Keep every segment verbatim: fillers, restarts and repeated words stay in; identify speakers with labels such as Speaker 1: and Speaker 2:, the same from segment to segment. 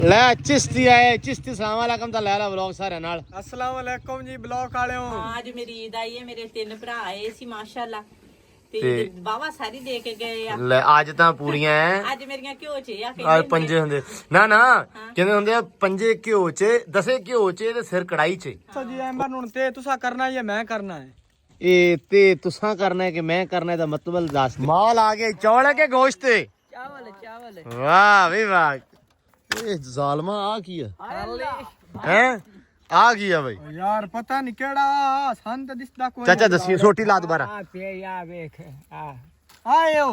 Speaker 1: ਲੈ चिश्ती आए चिश्ती सलाम वालेकुम ता ले ला व्लॉग सारे नाल
Speaker 2: अस्सलाम वालेकुम जी ब्लॉग वालेओ।
Speaker 3: ਹਾਂ ਅੱਜ ਮੇਰੀ ਈਦ ਆਈ ਹੈ ਮੇਰੇ ਤਿੰਨ ਭਰਾ ਆਏ ਸੀ ਮਾਸ਼ਾਅੱਲਾ ਤੇ
Speaker 1: ਤੇ-
Speaker 3: ਬਾਵਾ ਸਾਰੀ ਦੇ ਕੇ ਗਏ ਆ
Speaker 1: ਲੈ ਅੱਜ ਤਾਂ ਪੂਰੀਆਂ ਐ
Speaker 3: ਅੱਜ ਮੇਰੀਆਂ ਘਿਓ ਚ ਆ
Speaker 1: ਆ ਪੰਜੇ ਹੁੰਦੇ ਨਾ ਨਾ ਕਹਿੰਦੇ ਹੁੰਦੇ ਆ ਪੰਜੇ ਘਿਓ ਚ ਦਸੇ ਘਿਓ ਚ ਤੇ ਸਿਰ ਕੜਾਈ ਚ
Speaker 2: तो जी एम्बर हुन ते तुसा करना है या मैं करना है?
Speaker 1: ਇਹ ਤੇ ਤੁਸਾਂ ਕਰਨਾ ਹੈ ਕਿ ਮੈਂ ਕਰਨਾ ਦਾ ਮਤਲਬ ਦੱਸ ਮਾਲ ਆ ਗਏ ਚੌਲ ਹੈ ਕਿ ਗੋਸ਼ਤ ਹੈ
Speaker 3: ਚਾਵਲ ਚਾਵਲ
Speaker 1: ਵਾਹ ਵੀ ਵਾਹ ਇਹ ਜ਼ਾਲਮਾ ਆ ਕੀ ਆ ਹੈ ਆ ਕੀ ਆ ਬਈ
Speaker 2: यार पता नहीं केड़ा सन ते दिसदा कोई
Speaker 1: ਚਾਚਾ ਦੱਸੀ ਛੋਟੀ ਲਾ ਦੁਬਾਰਾ
Speaker 2: आ पे या देख आ आयो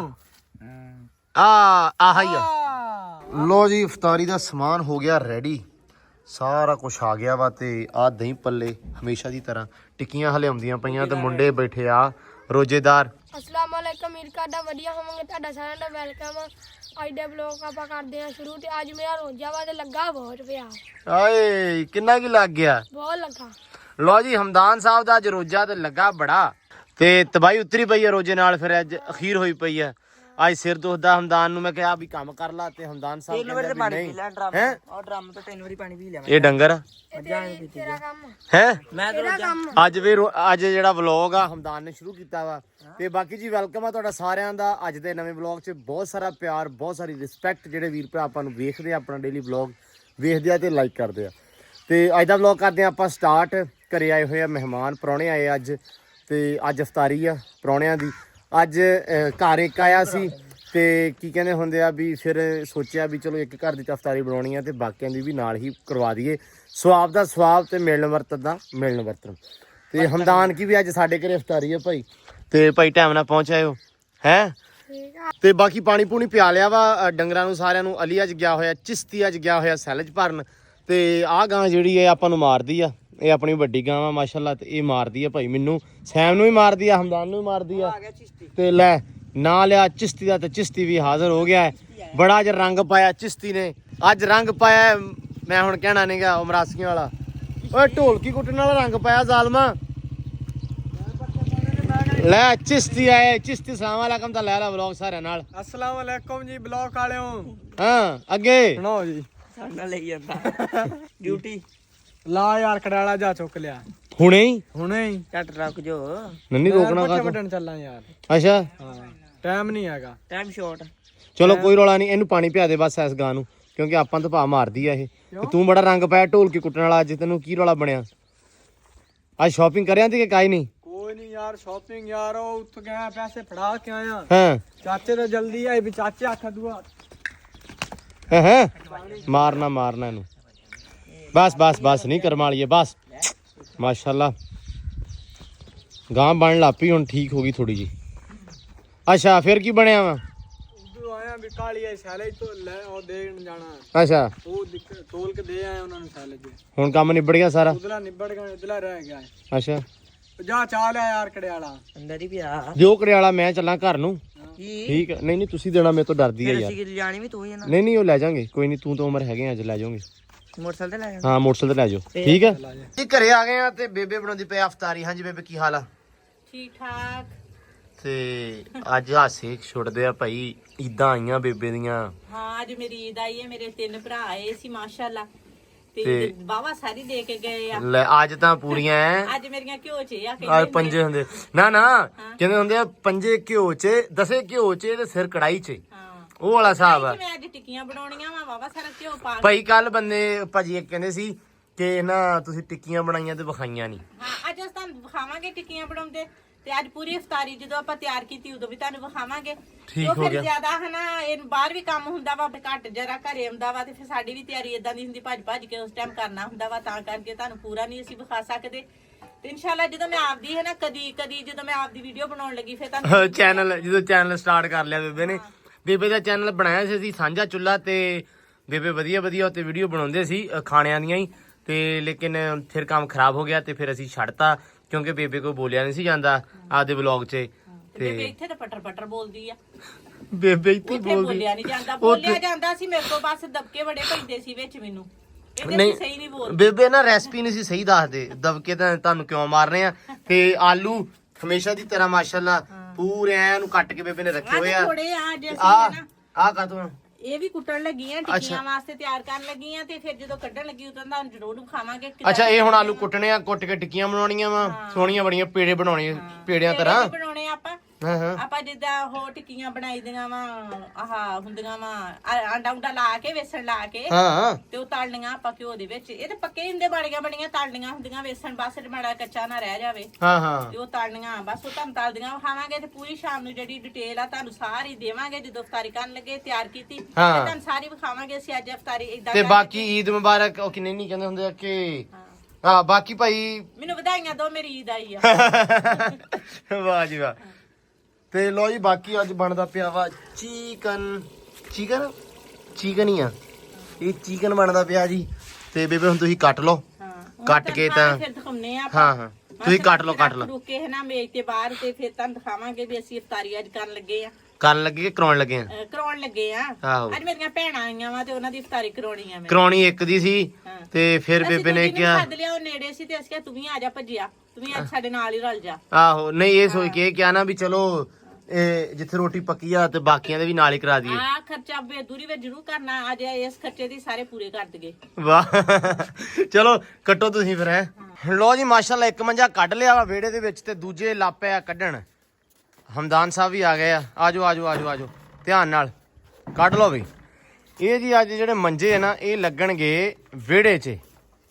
Speaker 1: ਆ ਆਹ ਹੀ ਆ
Speaker 2: आ
Speaker 1: ਲੋ ਜੀ ਇਫਤਾਰੀ ਦਾ ਸਮਾਨ ਹੋ ਗਿਆ ਰੈਡੀ ਸਾਰਾ ਕੁਝ ਆ ਗਿਆ ਵਾ ਤੇ ਆ ਦਹੀਂ ਪੱਲੇ ਹਮੇਸ਼ਾ ਦੀ ਤਰ੍ਹਾਂ ਟਿੱਕੀਆਂ ਹਲੇ ਆਉਂਦੀਆਂ ਪਈਆਂ ਤੇ ਮੁੰਡੇ ਬੈਠੇ ਆ ਰੋਜੇਦਾਰ
Speaker 4: ਅਸਲਾਮ ਵਾਲੇਕਮ ਵੀਰ ਕਾਡਾ ਵਧੀਆ ਹੋਵਾਂਗੇ ਤੁਹਾਡਾ ਸਾਰਿਆਂ ਦਾ ਵੈਲਕਮ ਅੱਜ ਦੇ ਵਲੌਗ ਆਪਾਂ ਕਰਦੇ ਹਾਂ ਸ਼ੁਰੂ ਤੇ ਅੱਜ ਮੇਰਾ ਰੋਜਾ ਵਾ ਤੇ ਲੱਗਾ ਬਹੁਤ ਪਿਆ
Speaker 1: ਆਏ ਕਿੰਨਾ ਕੀ ਲੱਗ ਗਿਆ
Speaker 4: ਬਹੁਤ ਲੱਗਾ
Speaker 1: ਲੋ ਜੀ ਹਮਦਾਨ ਸਾਹਿਬ ਦਾ ਅੱਜ ਰੋਜਾ ਤੇ ਲੱਗਾ ਬੜਾ ਤੇ ਤਬਾਈ ਉਤਰੀ ਪਈ ਹੈ ਰੋਜੇ ਨਾਲ ਫਿਰ ਅੱਜ ਅਖੀਰ ਹੋਈ ਪਈ ਹੈ ਅੱਜ ਸਿਰ ਦੁਖਦਾ ਹਮਦਾਨ ਨੂੰ ਮੈਂ ਕਿਹਾ ਵੀ ਕੰਮ ਕਰ ਲਾ ਤੇ ਹਮਦਾਨ ਸਾਹਿਬ ਕਹਿੰਦੇ ਵੀ ਨਹੀਂ ਹੈ
Speaker 3: ਔਰ ਡਰਮ ਤੋਂ ਤਿੰਨ ਵਾਰੀ ਪਾਣੀ ਪੀ ਲਿਆ
Speaker 1: ਇਹ ਡੰਗਰ ਆ
Speaker 4: ਤੇਰਾ ਕੰਮ
Speaker 1: ਹੈ
Speaker 3: ਮੈਂ
Speaker 4: ਤੇਰਾ ਕੰਮ
Speaker 1: ਅੱਜ ਵੀ ਰੋ- ਅੱਜ ਜਿਹੜਾ ਵਲੌਗ ਆ ਹਮਦਾਨ ਨੇ ਸ਼ੁਰੂ ਕੀਤਾ ਵਾ ਤੇ ਬਾਕੀ ਜੀ ਵੈਲਕਮ ਆ ਤੁਹਾਡਾ ਸਾਰਿਆਂ ਦਾ ਅੱਜ ਦੇ ਨਵੇਂ ਵਲੌਗ 'ਚ ਬਹੁਤ ਸਾਰਾ ਪਿਆਰ ਬਹੁਤ ਸਾਰੀ ਰਿਸਪੈਕਟ ਜਿਹੜੇ ਵੀਰ ਭਰਾ ਆਪਾਂ ਨੂੰ ਵੇਖਦੇ ਆ ਆਪਣਾ ਡੇਲੀ ਵਲੌਗ ਵੇਖਦੇ ਆ ਤੇ ਲਾਈਕ ਕਰਦੇ ਆ ਤੇ ਅੱਜ ਦਾ ਵਲੌਗ ਕਰਦੇ ਆ ਆਪਾਂ ਸਟਾਰਟ ਘਰੇ ਆਏ ਹੋਏ ਆ ਮਹਿਮਾਨ ਪ੍ਰਾਹੁਣੇ ਆਏ ਅੱਜ ਤੇ ਅੱਜ ਇਫਤਾਰੀ ਆ ਪ੍ਰਾਹੁਣਿਆਂ ਦੀ ਅੱਜ ਅਹ, ਘਰ ਇੱਕ ਆਇਆ ਸੀ ਤੇ ਕੀ ਕਹਿੰਦੇ ਹੁੰਦੇ ਆ ਵੀ ਫਿਰ ਸੋਚਿਆ ਵੀ ਚਲੋ ਇੱਕ ਘਰ ਦੀ ਤਾਂ ਇਫਤਾਰੀ ਬਣਾਉਣੀ ਆ ਤੇ ਬਾਕੀਆਂ ਦੀ ਵੀ ਨਾਲ ਹੀ ਕਰਵਾ ਦਈਏ ਸਵਾਬ ਦਾ ਸਵਾਬ ਤੇ ਮਿਲਣ ਵਰਤਨ ਦਾ ਮਿਲਣ ਵਰਤਨ ਤੇ ਹਮਦਾਨ ਕੀ ਵੀ ਅੱਜ ਸਾਡੇ ਘਰੇ ਇਫਤਾਰੀ ਆ ਭਾਈ ਤੇ ਭਾਈ ਟਾਈਮ ਨਾਲ ਪਹੁੰਚ ਆਇਓ ਹੈ
Speaker 4: ਠੀਕ ਆ
Speaker 1: ਤੇ ਬਾਕੀ ਪਾਣੀ ਪੂਣੀ ਪਿਆ ਲਿਆ ਵਾ ਅ, ਡੰਗਰਾਂ ਨੂੰ ਸਾਰਿਆਂ ਨੂੰ ਅਲੀ ਅੱਜ ਗਿਆ ਹੋਇਆ ਚਿਸ਼ਤੀ ਅੱਜ ਗਿਆ ਹੋਇਆ ਸੈਲਜ ਭਰਨ ਤੇ ਆਹ ਗਾਂ ਜਿਹੜੀ ਹੈ ਆਪਾਂ ਨੂੰ ਮਾਰਦੀ ਆ ਇਹ ਆਪਣੀ ਵੱਡੀ ਗਾਂ ਵਾ ਮਾਸ਼ਾਅੱਲਾ ਤੇ ਇਹ ਮਾਰਦੀ ਆ ਭਾਈ ਮੈਨੂੰ ਸੈਮ ਨੂੰ ਵੀ ਮਾਰਦੀ ਆ ਹਮਦਾਨ ਨੂੰ ਵੀ ਮਾਰਦੀ ਆ ਤੇ ਲੈ ਨਾ ਲਿਆ ਚਿਸ਼ਤੀ ਦਾ ਤੇ ਚਿਸ਼ਤੀ ਵੀ ਹਾਜ਼ਰ ਹੋ ਗਿਆ ਹੈ ਬੜਾ ਅੱਜ ਰੰਗ ਪਾਇਆ ਚਿਸ਼ਤੀ ਨੇ ਅੱਜ ਰੰਗ ਪਾਇਆ ਹੈ, ਮੈਂ ਹੁਣ ਕਹਿਣਾ ਨਹੀਂਗਾ ਉਮਰਾਸੀਆਂ ਵਾਲਾ ਓਏ ਢੋਲਕੀ ਕੁੱਟਣ ਵਾਲਾ ਰੰਗ ਪਾਇਆ ਜ਼ਾਲਮਾ ਲੈ ਚਿਸ਼ਤੀ ਆਏ ਚਿਸ਼ਤੀ ਸਲਾਮ ਵਾਲੇਕਮ ਤਾਂ ਲੈ ਲਾ ਵਲੌਗ ਸਾਰਿਆਂ ਨਾਲ
Speaker 2: अस्सलाम वालेकुम जी ब्लॉग वालेओ।
Speaker 1: ਹਾਂ ਅੱਗੇ
Speaker 2: सुनाओ जी
Speaker 3: ਸਾਡਾ ਲਈ ਜਾਂਦਾ ਡਿਊਟੀ
Speaker 2: ला यार कड़ाला जा चुक लिया
Speaker 1: ਹੁਣੇ ਹੀ
Speaker 2: हुने ही
Speaker 3: ਟੱਟ ਰੱਖ ਜੋ
Speaker 1: ਨੰਨੀ ਰੋਕਣਾ
Speaker 2: पट्टे
Speaker 1: ਕਾ
Speaker 2: बटन चलना यार
Speaker 1: ਅੱਛਾ
Speaker 2: हां टाइम नहीं हैगा
Speaker 3: ਟਾਈਮ ਸ਼ਾਰਟ
Speaker 1: ਚਲੋ ਕੋਈ ਰੌਲਾ ਨਹੀਂ ਇਹਨੂੰ ਪਾਣੀ ਪਿਆ ਦੇ ਬਸ ਇਸ ਗਾਂ ਨੂੰ ਕਿਉਂਕਿ ਆਪਾਂ ਤਾਂ ਭਾ ਮਾਰਦੀ ਆ ਇਹ ਤੇ ਤੂੰ ਬੜਾ ਰੰਗ ਪਾਇਆ ਢੋਲਕੀ ਕੁੱਟਣ ਵਾਲਾ ਅੱਜ ਤੈਨੂੰ ਕੀ ਰੌਲਾ ਬਣਿਆ ਅੱਜ ਸ਼ਾਪਿੰਗ ਕਰਿਆ ਤੇ ਕਿ ਕਾਈ ਨਹੀਂ
Speaker 2: कोई नहीं यार शॉपिंग यार ओ उठ गया पैसे फड़ा के आया
Speaker 1: ਹਾਂ
Speaker 2: चाचे तो जल्दी आए भी चाचे आखा दुआ
Speaker 1: ਹੈ ਹੈ ਮਾਰਨਾ ਮਾਰਨਾ ਇਹਨੂੰ ਬਸ ਬਸ ਬਸ ਨਹੀਂ ਕਰਮ ਵਾਲੀਏ ਬਸ ਮਾਸ਼ਾਅੱਲਾ ਗਾਂ ਬਣ ਲਾਪੀ ਹੁਣ ਠੀਕ ਹੋ ਗਈ ਥੋੜੀ ਜੀ ਅੱਛਾ ਫਿਰ ਕੀ ਬਣਿਆ ਵਾ
Speaker 2: उधर आया भी काली आई साले तो ले ओ देन जाना
Speaker 1: ਅੱਛਾ
Speaker 2: वो दिक- तोल के दे आए उन्होंने साले जी
Speaker 1: ਹੁਣ ਕੰਮ ਨਿਬੜ ਗਿਆ ਸਾਰਾ
Speaker 2: उधला निबड़ गया उधला रह गया है।
Speaker 1: ਅੱਛਾ
Speaker 2: जा चाल है यार कड़ियाला
Speaker 3: ਅੰਦਰ ਹੀ ਪਿਆ
Speaker 1: ਦਿਓ ਕਰਿਆਲਾ ਮੈਂ ਚੱਲਾਂ ਘਰ ਨੂੰ
Speaker 3: ਕੀ
Speaker 1: ਠੀਕ ਹੈ ਨਹੀਂ ਨਹੀਂ ਤੁਸੀਂ ਦੇਣਾ ਮੇਰੇ ਤੋਂ ਡਰਦੀ ਹੈ ਯਾਰ
Speaker 3: ਅਸੀਂ ਕਿ ਜਾਣੀ ਵੀ ਤੂੰ ਹੀ ਆ ਨਾ
Speaker 1: ਨਹੀਂ ਨਹੀਂ ਉਹ ਲੈ ਜਾਾਂਗੇ ਕੋਈ ਨਹੀਂ ਤੂੰ ਤਾਂ ਉਮਰ ਹੈਗੇ ਅੱਜ ਲੈ ਜਾਓਗੇ
Speaker 3: ਮੋਟਰਸਾਈਕਲ ਤੇ ਲੈ ਜਾ
Speaker 1: ਹਾਂ ਮੋਟਰਸਾਈਕਲ ਤੇ ਲੈ ਜਾਓ ਠੀਕ ਹੈ ਜੀ ਘਰੇ ਆ ਗਏ ਆ ਤੇ ਬੇਬੇ ਬਣਾਉਂਦੀ ਪਈ ਅਫਤਾਰੀ ਹਾਂਜੀ ਬੇਬੇ ਕੀ ਹਾਲ ਆ
Speaker 3: ਠੀਕ ਠਾਕ
Speaker 1: ਤੇ ਅੱਜ ਹਾਸੇ ਛੁੱਟਦੇ ਆ ਭਾਈ ਈਦਾਂ ਆਈਆਂ ਬੇਬੇ ਦੀਆਂ
Speaker 3: ਹਾਂ ਅੱਜ ਮੇਰੀ ਈਦ ਆਈ ਹੈ ਮੇਰੇ ਤਿੰਨ ਭਰਾ ਆਏ ਸੀ ਮਾਸ਼ਾਅੱਲਾ ਤੇ
Speaker 1: ਤੇ-
Speaker 3: ਬਾਵਾ ਸਾਰੀ ਦੇ ਕੇ ਗਏ ਆ
Speaker 1: ਲੈ ਅੱਜ ਤਾਂ ਪੂਰੀਆਂ ਐ
Speaker 3: ਅੱਜ ਮੇਰੀਆਂ ਘਿਓ ਚ ਆ
Speaker 1: ਆ ਪੰਜੇ ਹੁੰਦੇ ਨਾ ਨਾ ਕਹਿੰਦੇ ਹੁੰਦੇ ਆ ਪੰਜੇ ਘਿਓ ਚ ਦਸੇ ਘਿਓ ਚ ਤੇ ਸਿਰ ਕੜਾਈ ਚ
Speaker 3: ਹਾਂ
Speaker 1: ਉਹ ਵਾਲਾ ਹਿਸਾਬ ਆ
Speaker 3: ਮੈਂ ਅੱਜ ਟਿੱਕੀਆਂ ਬਣਾਉਣੀਆਂ ਵਾ ਬਾਵਾ ਸਾਰਾ ਘਿਓ ਪਾ ਕੇ
Speaker 1: ਭਾਈ ਕੱਲ ਬੰਦੇ ਭਾਜੀ ਇੱਕ ਕਹਿੰਦੇ ਸੀ ਕਿ ਨਾ ਤੁਸੀਂ ਟਿੱਕੀਆਂ ਬਣਾਈਆਂ ਤੇ ਵਿਖਾਈਆਂ ਨਹੀਂ
Speaker 3: ਹਾਂ ਅੱਜ ਅਸੀਂ ਤੁਹਾਨੂੰ ਵਿਖਾਵਾਂਗੇ ਟਿੱਕੀਆਂ ਬਣਾਉਂਦੇ ਤੇ ਅੱਜ ਪੂਰੀ ਇਫਤਾਰੀ ਜਦੋਂ ਆਪਾਂ ਤਿਆਰ ਕੀਤੀ ਉਦੋਂ ਵੀ ਤੁਹਾਨੂੰ ਵਿਖਾਵਾਂਗੇ
Speaker 1: ਠੀਕ
Speaker 3: ਉਹ
Speaker 1: ਹੋ
Speaker 3: ਫਿਰ
Speaker 1: ਗਿਆ।
Speaker 3: ਜ਼ਿਆਦਾ ਹਨਾ ਇਹ ਬਾਹਰ ਵੀ ਕੰਮ ਹੁੰਦਾ ਵਾ ਘੱਟ ਜਰਾ ਘਰੇ ਆਉਂਦਾ ਵਾ ਤੇ ਫਿਰ ਸਾਡੀ ਵੀ ਤਿਆਰੀ ਇਦਾਂ ਦੀ ਹੁੰਦੀ ਭੱਜ ਭੱਜ ਕੇ ਉਸ ਟਾਈਮ ਕਰਨਾ ਹੁੰਦਾ ਵਾ ਤਾਂ ਕਰਕੇ ਤੁਹਾਨੂੰ ਪੂਰਾ ਨਹੀਂ ਅਸੀਂ ਵਿਖਾ ਸਕਦੇ ਤੇ ਇਨਸ਼ਾਅੱਲਾ ਜਦੋਂ ਮੈਂ ਆਪਦੀ ਹੈ ਨਾ ਕਦੀ ਕਦੀ ਜਦੋਂ ਮੈਂ ਆਪਦੀ ਵੀਡੀਓ ਬਣਾਉਣ ਲੱਗੀ ਫਿਰ ਤੁਹਾਨੂੰ
Speaker 1: ਚੈਨਲ ਜਦੋਂ ਚੈਨਲ ਸਟਾਰਟ ਕਰ ਲਿਆ ਬੇਬੇ ਨੇ ਬੇਬੇ ਦਾ ਚੈਨਲ ਬਣਾਇਆ ਸੀ ਅਸੀਂ ਸਾਂਝਾ ਚੁੱਲਾ ਤੇ ਬੇਬੇ ਵਧੀਆ ਵਧੀਆ ਉੱਤੇ ਵੀਡੀਓ ਬਣਾਉਂਦੇ ਸੀ ਅ, ਖਾਣਿਆਂ ਦੀਆਂ ਹੀ ਤੇ ਲੇਕਿਨ ਫਿਰ ਕੰਮ ਖਰਾਬ ਹੋ ਗਿਆ ਤੇ ਫਿਰ ਅਸੀਂ ਛੱਡਤਾ ਕਿਉਂਕਿ ਬੇਬੇ ਕੋਈ ਬੋਲਿਆ ਨਹੀਂ ਸੀ ਜਾਂਦਾ ਆਪਦੇ ਵਲੌਗ 'ਚ
Speaker 3: ਤੇ ਬੇਬੇ
Speaker 1: ਤੇ
Speaker 3: ਇੱਥੇ ਤਾਂ ਪਟਰ ਪਟਰ ਬੋਲਦੀ ਆ
Speaker 1: ਬੇਬੇ ਇੱਥੇ
Speaker 3: ਉੱਥੇ
Speaker 1: ਬੋਲਦੀ
Speaker 3: ਬੋਲਿਆ ਨਹੀਂ ਜਾਂਦਾ ਬੋਲਿਆ ਜਾਂਦਾ ਸੀ ਮੇਰੇ ਕੋਲ ਬਸ ਦਬਕੇ ਬੜੇ ਪੈਂਦੇ ਸੀ ਵਿੱਚ ਮੈਨੂੰ ਇਹਦੇ
Speaker 1: ਨਹੀਂ
Speaker 3: ਸਹੀ ਨਹੀਂ ਬੋਲਦੀ
Speaker 1: ਬੇਬੇ ਨਾ ਰੈਸਪੀ ਨਹੀਂ ਸੀ ਸਹੀ ਦੱਸਦੇ ਦਬਕੇ ਤਾਂ ਤੁਹਾਨੂੰ ਕਿਉਂ ਮਾਰ ਰਹੇ ਆ ਤੇ ਆਲੂ ਹਮੇਸ਼ਾ ਦੀ ਤਰ੍ਹਾਂ ਮਾਸ਼ਾਅੱਲਾ ਪੂਰੇ ਐ ਨੂੰ ਕੱਟ ਕੇ ਬੇਬੇ ਨੇ ਰੱਖੇ ਹੋਏ ਆ
Speaker 3: ਥੋੜੇ ਆ ਅੱਜ ਅਸੀਂ
Speaker 1: ਆ
Speaker 3: ਨਾ
Speaker 1: ਆ ਕਾ ਤੂੰ
Speaker 3: ਇਹ ਵੀ ਕੁੱਟਣ ਲੱਗੀ ਆ ਟਿੱਕੀਆਂ ਵਾਸਤੇ ਤਿਆਰ ਕਰਨ ਲੱਗੀ ਆ ਤੇ ਫਿਰ ਜਦੋਂ ਕੱਢਣ ਲੱਗੀ ਉਦੋਂ ਤੁਹਾਨੂੰ ਜ਼ਰੂਰ ਖਾਵਾਂਗੇ।
Speaker 1: ਅੱਛਾ ਇਹ ਹੁਣ ਆਲੂ ਕੁੱਟਣੇ ਆ, ਕੁੱਟ ਕੇ ਟਿੱਕੀਆਂ ਬਣਾਉਣੀਆਂ ਵਾ, ਸੋਹਣੀਆਂ ਬੜੀਆਂ ਪੇੜੇ ਬਣਾਉਣੇ ਪੇੜਿਆਂ ਤਰ੍ਹਾਂ
Speaker 3: ਬਣਾਉਣੇ ਆਪਾਂ।
Speaker 1: ਹਾਂ ਹਾਂ
Speaker 3: ਆਪਾਂ ਜਿੱਦਾਂ ਉਹ ਟਿੱਕੀਆਂ ਬਣਾਈ ਦੀਆਂ ਵਾ ਆਹ ਹੁੰਦੀਆਂ ਵਾ ਆਂਡਾ ਉਂਡਾ ਲਾ ਕੇ ਵੇਸਣ ਲਾ ਕੇ
Speaker 1: ਹਾਂ
Speaker 3: ਤੇ ਉਹ ਤਲਣੀਆਂ ਆਪਾਂ ਘਿਓ ਦੇ ਵਿੱਚ। ਇਹ ਤੇ ਪੱਕੇ ਹੁੰਦੇ ਬਾੜੀਆਂ ਬਣੀਆਂ ਤਲਣੀਆਂ ਹੁੰਦੀਆਂ ਵੇਸਣ ਬਸ ਮਾੜਾ ਕੱਚਾ ਨਾ ਰਹਿ ਜਾਵੇ
Speaker 1: ਹਾਂ ਹਾਂ
Speaker 3: ਤੇ ਉਹ ਤਲਣੀਆਂ ਬਸ ਉਹ ਤੁਹਾਨੂੰ ਤਲਦੀਆਂ ਖਾਵਾਂਗੇ। ਤੇ ਪੂਰੀ ਸ਼ਾਮ ਨੂੰ ਜਿਹੜੀ ਡਿਟੇਲ ਆ ਤੁਹਾਨੂੰ ਸਾਰੀ ਦੇਵਾਂਗੇ ਜਦੋਂ ਇਫਤਾਰੀ ਕਰਨ ਲੱਗੇ ਤਿਆਰ ਕੀਤੀ ਤੇ
Speaker 1: ਹਾਂ।
Speaker 3: ਤੁਹਾਨੂੰ ਸਾਰੀ ਵਿਖਾਵਾਂਗੇ ਅਸੀਂ ਅੱਜ ਇਫਤਾਰੀ ਇਦਾਂ।
Speaker 1: ਤੇ ਬਾਕੀ ਈਦ ਮੁਬਾਰਕ ਉਹ ਕਿੰਨੇ ਨਹੀਂ ਕਹਿੰਦੇ ਹੁੰਦੇ ਆ ਕਿ ਹਾਂ ਬਾਕੀ ਭਾਈ
Speaker 3: ਮੈਨੂੰ ਵਧਾਈਆਂ ਦੋ ਮੇਰੀ ਈਦ ਆਈ ਆ।
Speaker 1: ਵਾਹ ਜੀ ਵਾਹ। ਤੇ ਲੋ ਜੀ ਬਾਕੀ ਅੱਜ ਬਣਦਾ ਪਿਆ ਵਾ ਚਿਕਨ ਚਿਕਨ ਚਿਕਨ ਹੀ ਆ ਇਹ ਚਿਕਨ ਬਣਦਾ ਪਿਆ ਜੀ। ਤੇ ਬੇਬੇ ਹੁਣ ਤੁਸੀਂ ਕੱਟ ਲਓ ਕੱਟ ਕੇ ਤਾਂ
Speaker 3: ਫਿਰ ਦਿਖਾਉਨੇ ਆ
Speaker 1: ਹਾਂ ਹਾਂ ਤੁਸੀਂ ਕੱਟ ਲਓ ਕੱਟ ਲਓ
Speaker 3: ਰੁਕੇ ਹੈ ਨਾ ਮੇਜ਼ ਤੇ ਬਾਹਰ ਤੇ ਫਿਰ ਤੁਹਾਨੂੰ ਦਿਖਾਵਾਂਗੇ ਵੀ ਅਸੀਂ ਇਫਤਾਰੀ ਅੱਜ ਕਰਨ ਲੱਗੇ ਆ।
Speaker 1: ਕਰਨ ਲੱਗੇ ਕਿ ਕਰਾਉਣ ਲੱਗੇ ਆ?
Speaker 3: ਅਹ ਕਰਾਉਣ ਲੱਗੇ ਆ।
Speaker 1: ਆਹੋ
Speaker 3: ਅੱਜ ਮੇਰੀਆਂ ਭੈਣਾਂ ਆਈਆਂ ਵਾ ਤੇ ਉਹਨਾਂ ਦੀ ਇਫਤਾਰੀ ਕਰਾਉਣੀ ਆ ਮੈਂ।
Speaker 1: ਕਰਾਉਣੀ ਇੱਕ ਦੀ ਸੀ ਤੇ ਫਿਰ ਬੇਬੇ ਨੇ ਕਿਹਾ
Speaker 3: ਸੱਦ ਲਿਆ ਉਹ ਨੇੜੇ ਸੀ ਤੇ ਅਸੀਂ ਕਿਹਾ ਤੂੰ ਵੀ ਆ ਜਾ ਭੱਜਿਆ ਤੂੰ ਵੀ ਅੱਜ ਸਾਡੇ ਨਾਲ ਹੀ ਰਲ ਜਾ।
Speaker 1: ਆਹੋ ਨਹੀਂ ਇਹ ਸੋਚ ਕੇ ਕਿਹਾ ਨਾ ਵੀ ਚਲੋ ਇਹ ਜਿੱਥੇ ਰੋਟੀ ਪੱਕੀ ਆ ਤੇ ਬਾਕੀਆਂ ਦੇ ਵੀ ਨਾਲ ਹੀ ਕਰਾ ਦਈਏ।
Speaker 3: ਆ ਖਰਚਾ ਬੇਦੂਰੀ ਵਿੱਚ ਜ਼ਰੂਰ ਕਰਨਾ ਅੱਜ ਇਸ ਖਰਚੇ ਦੀ ਸਾਰੇ ਪੂਰੇ ਕਰ ਦਈਏ।
Speaker 1: ਵਾਹ ਚਲੋ ਕੱਟੋ ਤੁਸੀਂ ਫਿਰ ਹੈ। ਲੋ ਜੀ ਮਾਸ਼ਾਅੱਲਾ ਇੱਕ ਮੰਜਾ ਕੱਢ ਲਿਆ ਵਾ ਵਿਹੜੇ ਦੇ ਵਿੱਚ ਤੇ ਦੂਜੇ ਲਾਪੇ ਆ ਕੱਢਣ। ਹਮਦਾਨ ਸਾਹਿਬ ਵੀ ਆ ਗਏ ਆ। ਆਜੋ ਆਜੋ ਆਜੋ ਆਜੋ ਧਿਆਨ ਨਾਲ ਕੱਢ ਲਓ ਵੀ। ਇਹ ਜੀ ਅੱਜ ਜਿਹੜੇ ਮੰਜੇ ਆ ਨਾ ਇਹ ਲੱਗਣਗੇ ਵਿਹੜੇ 'ਚ।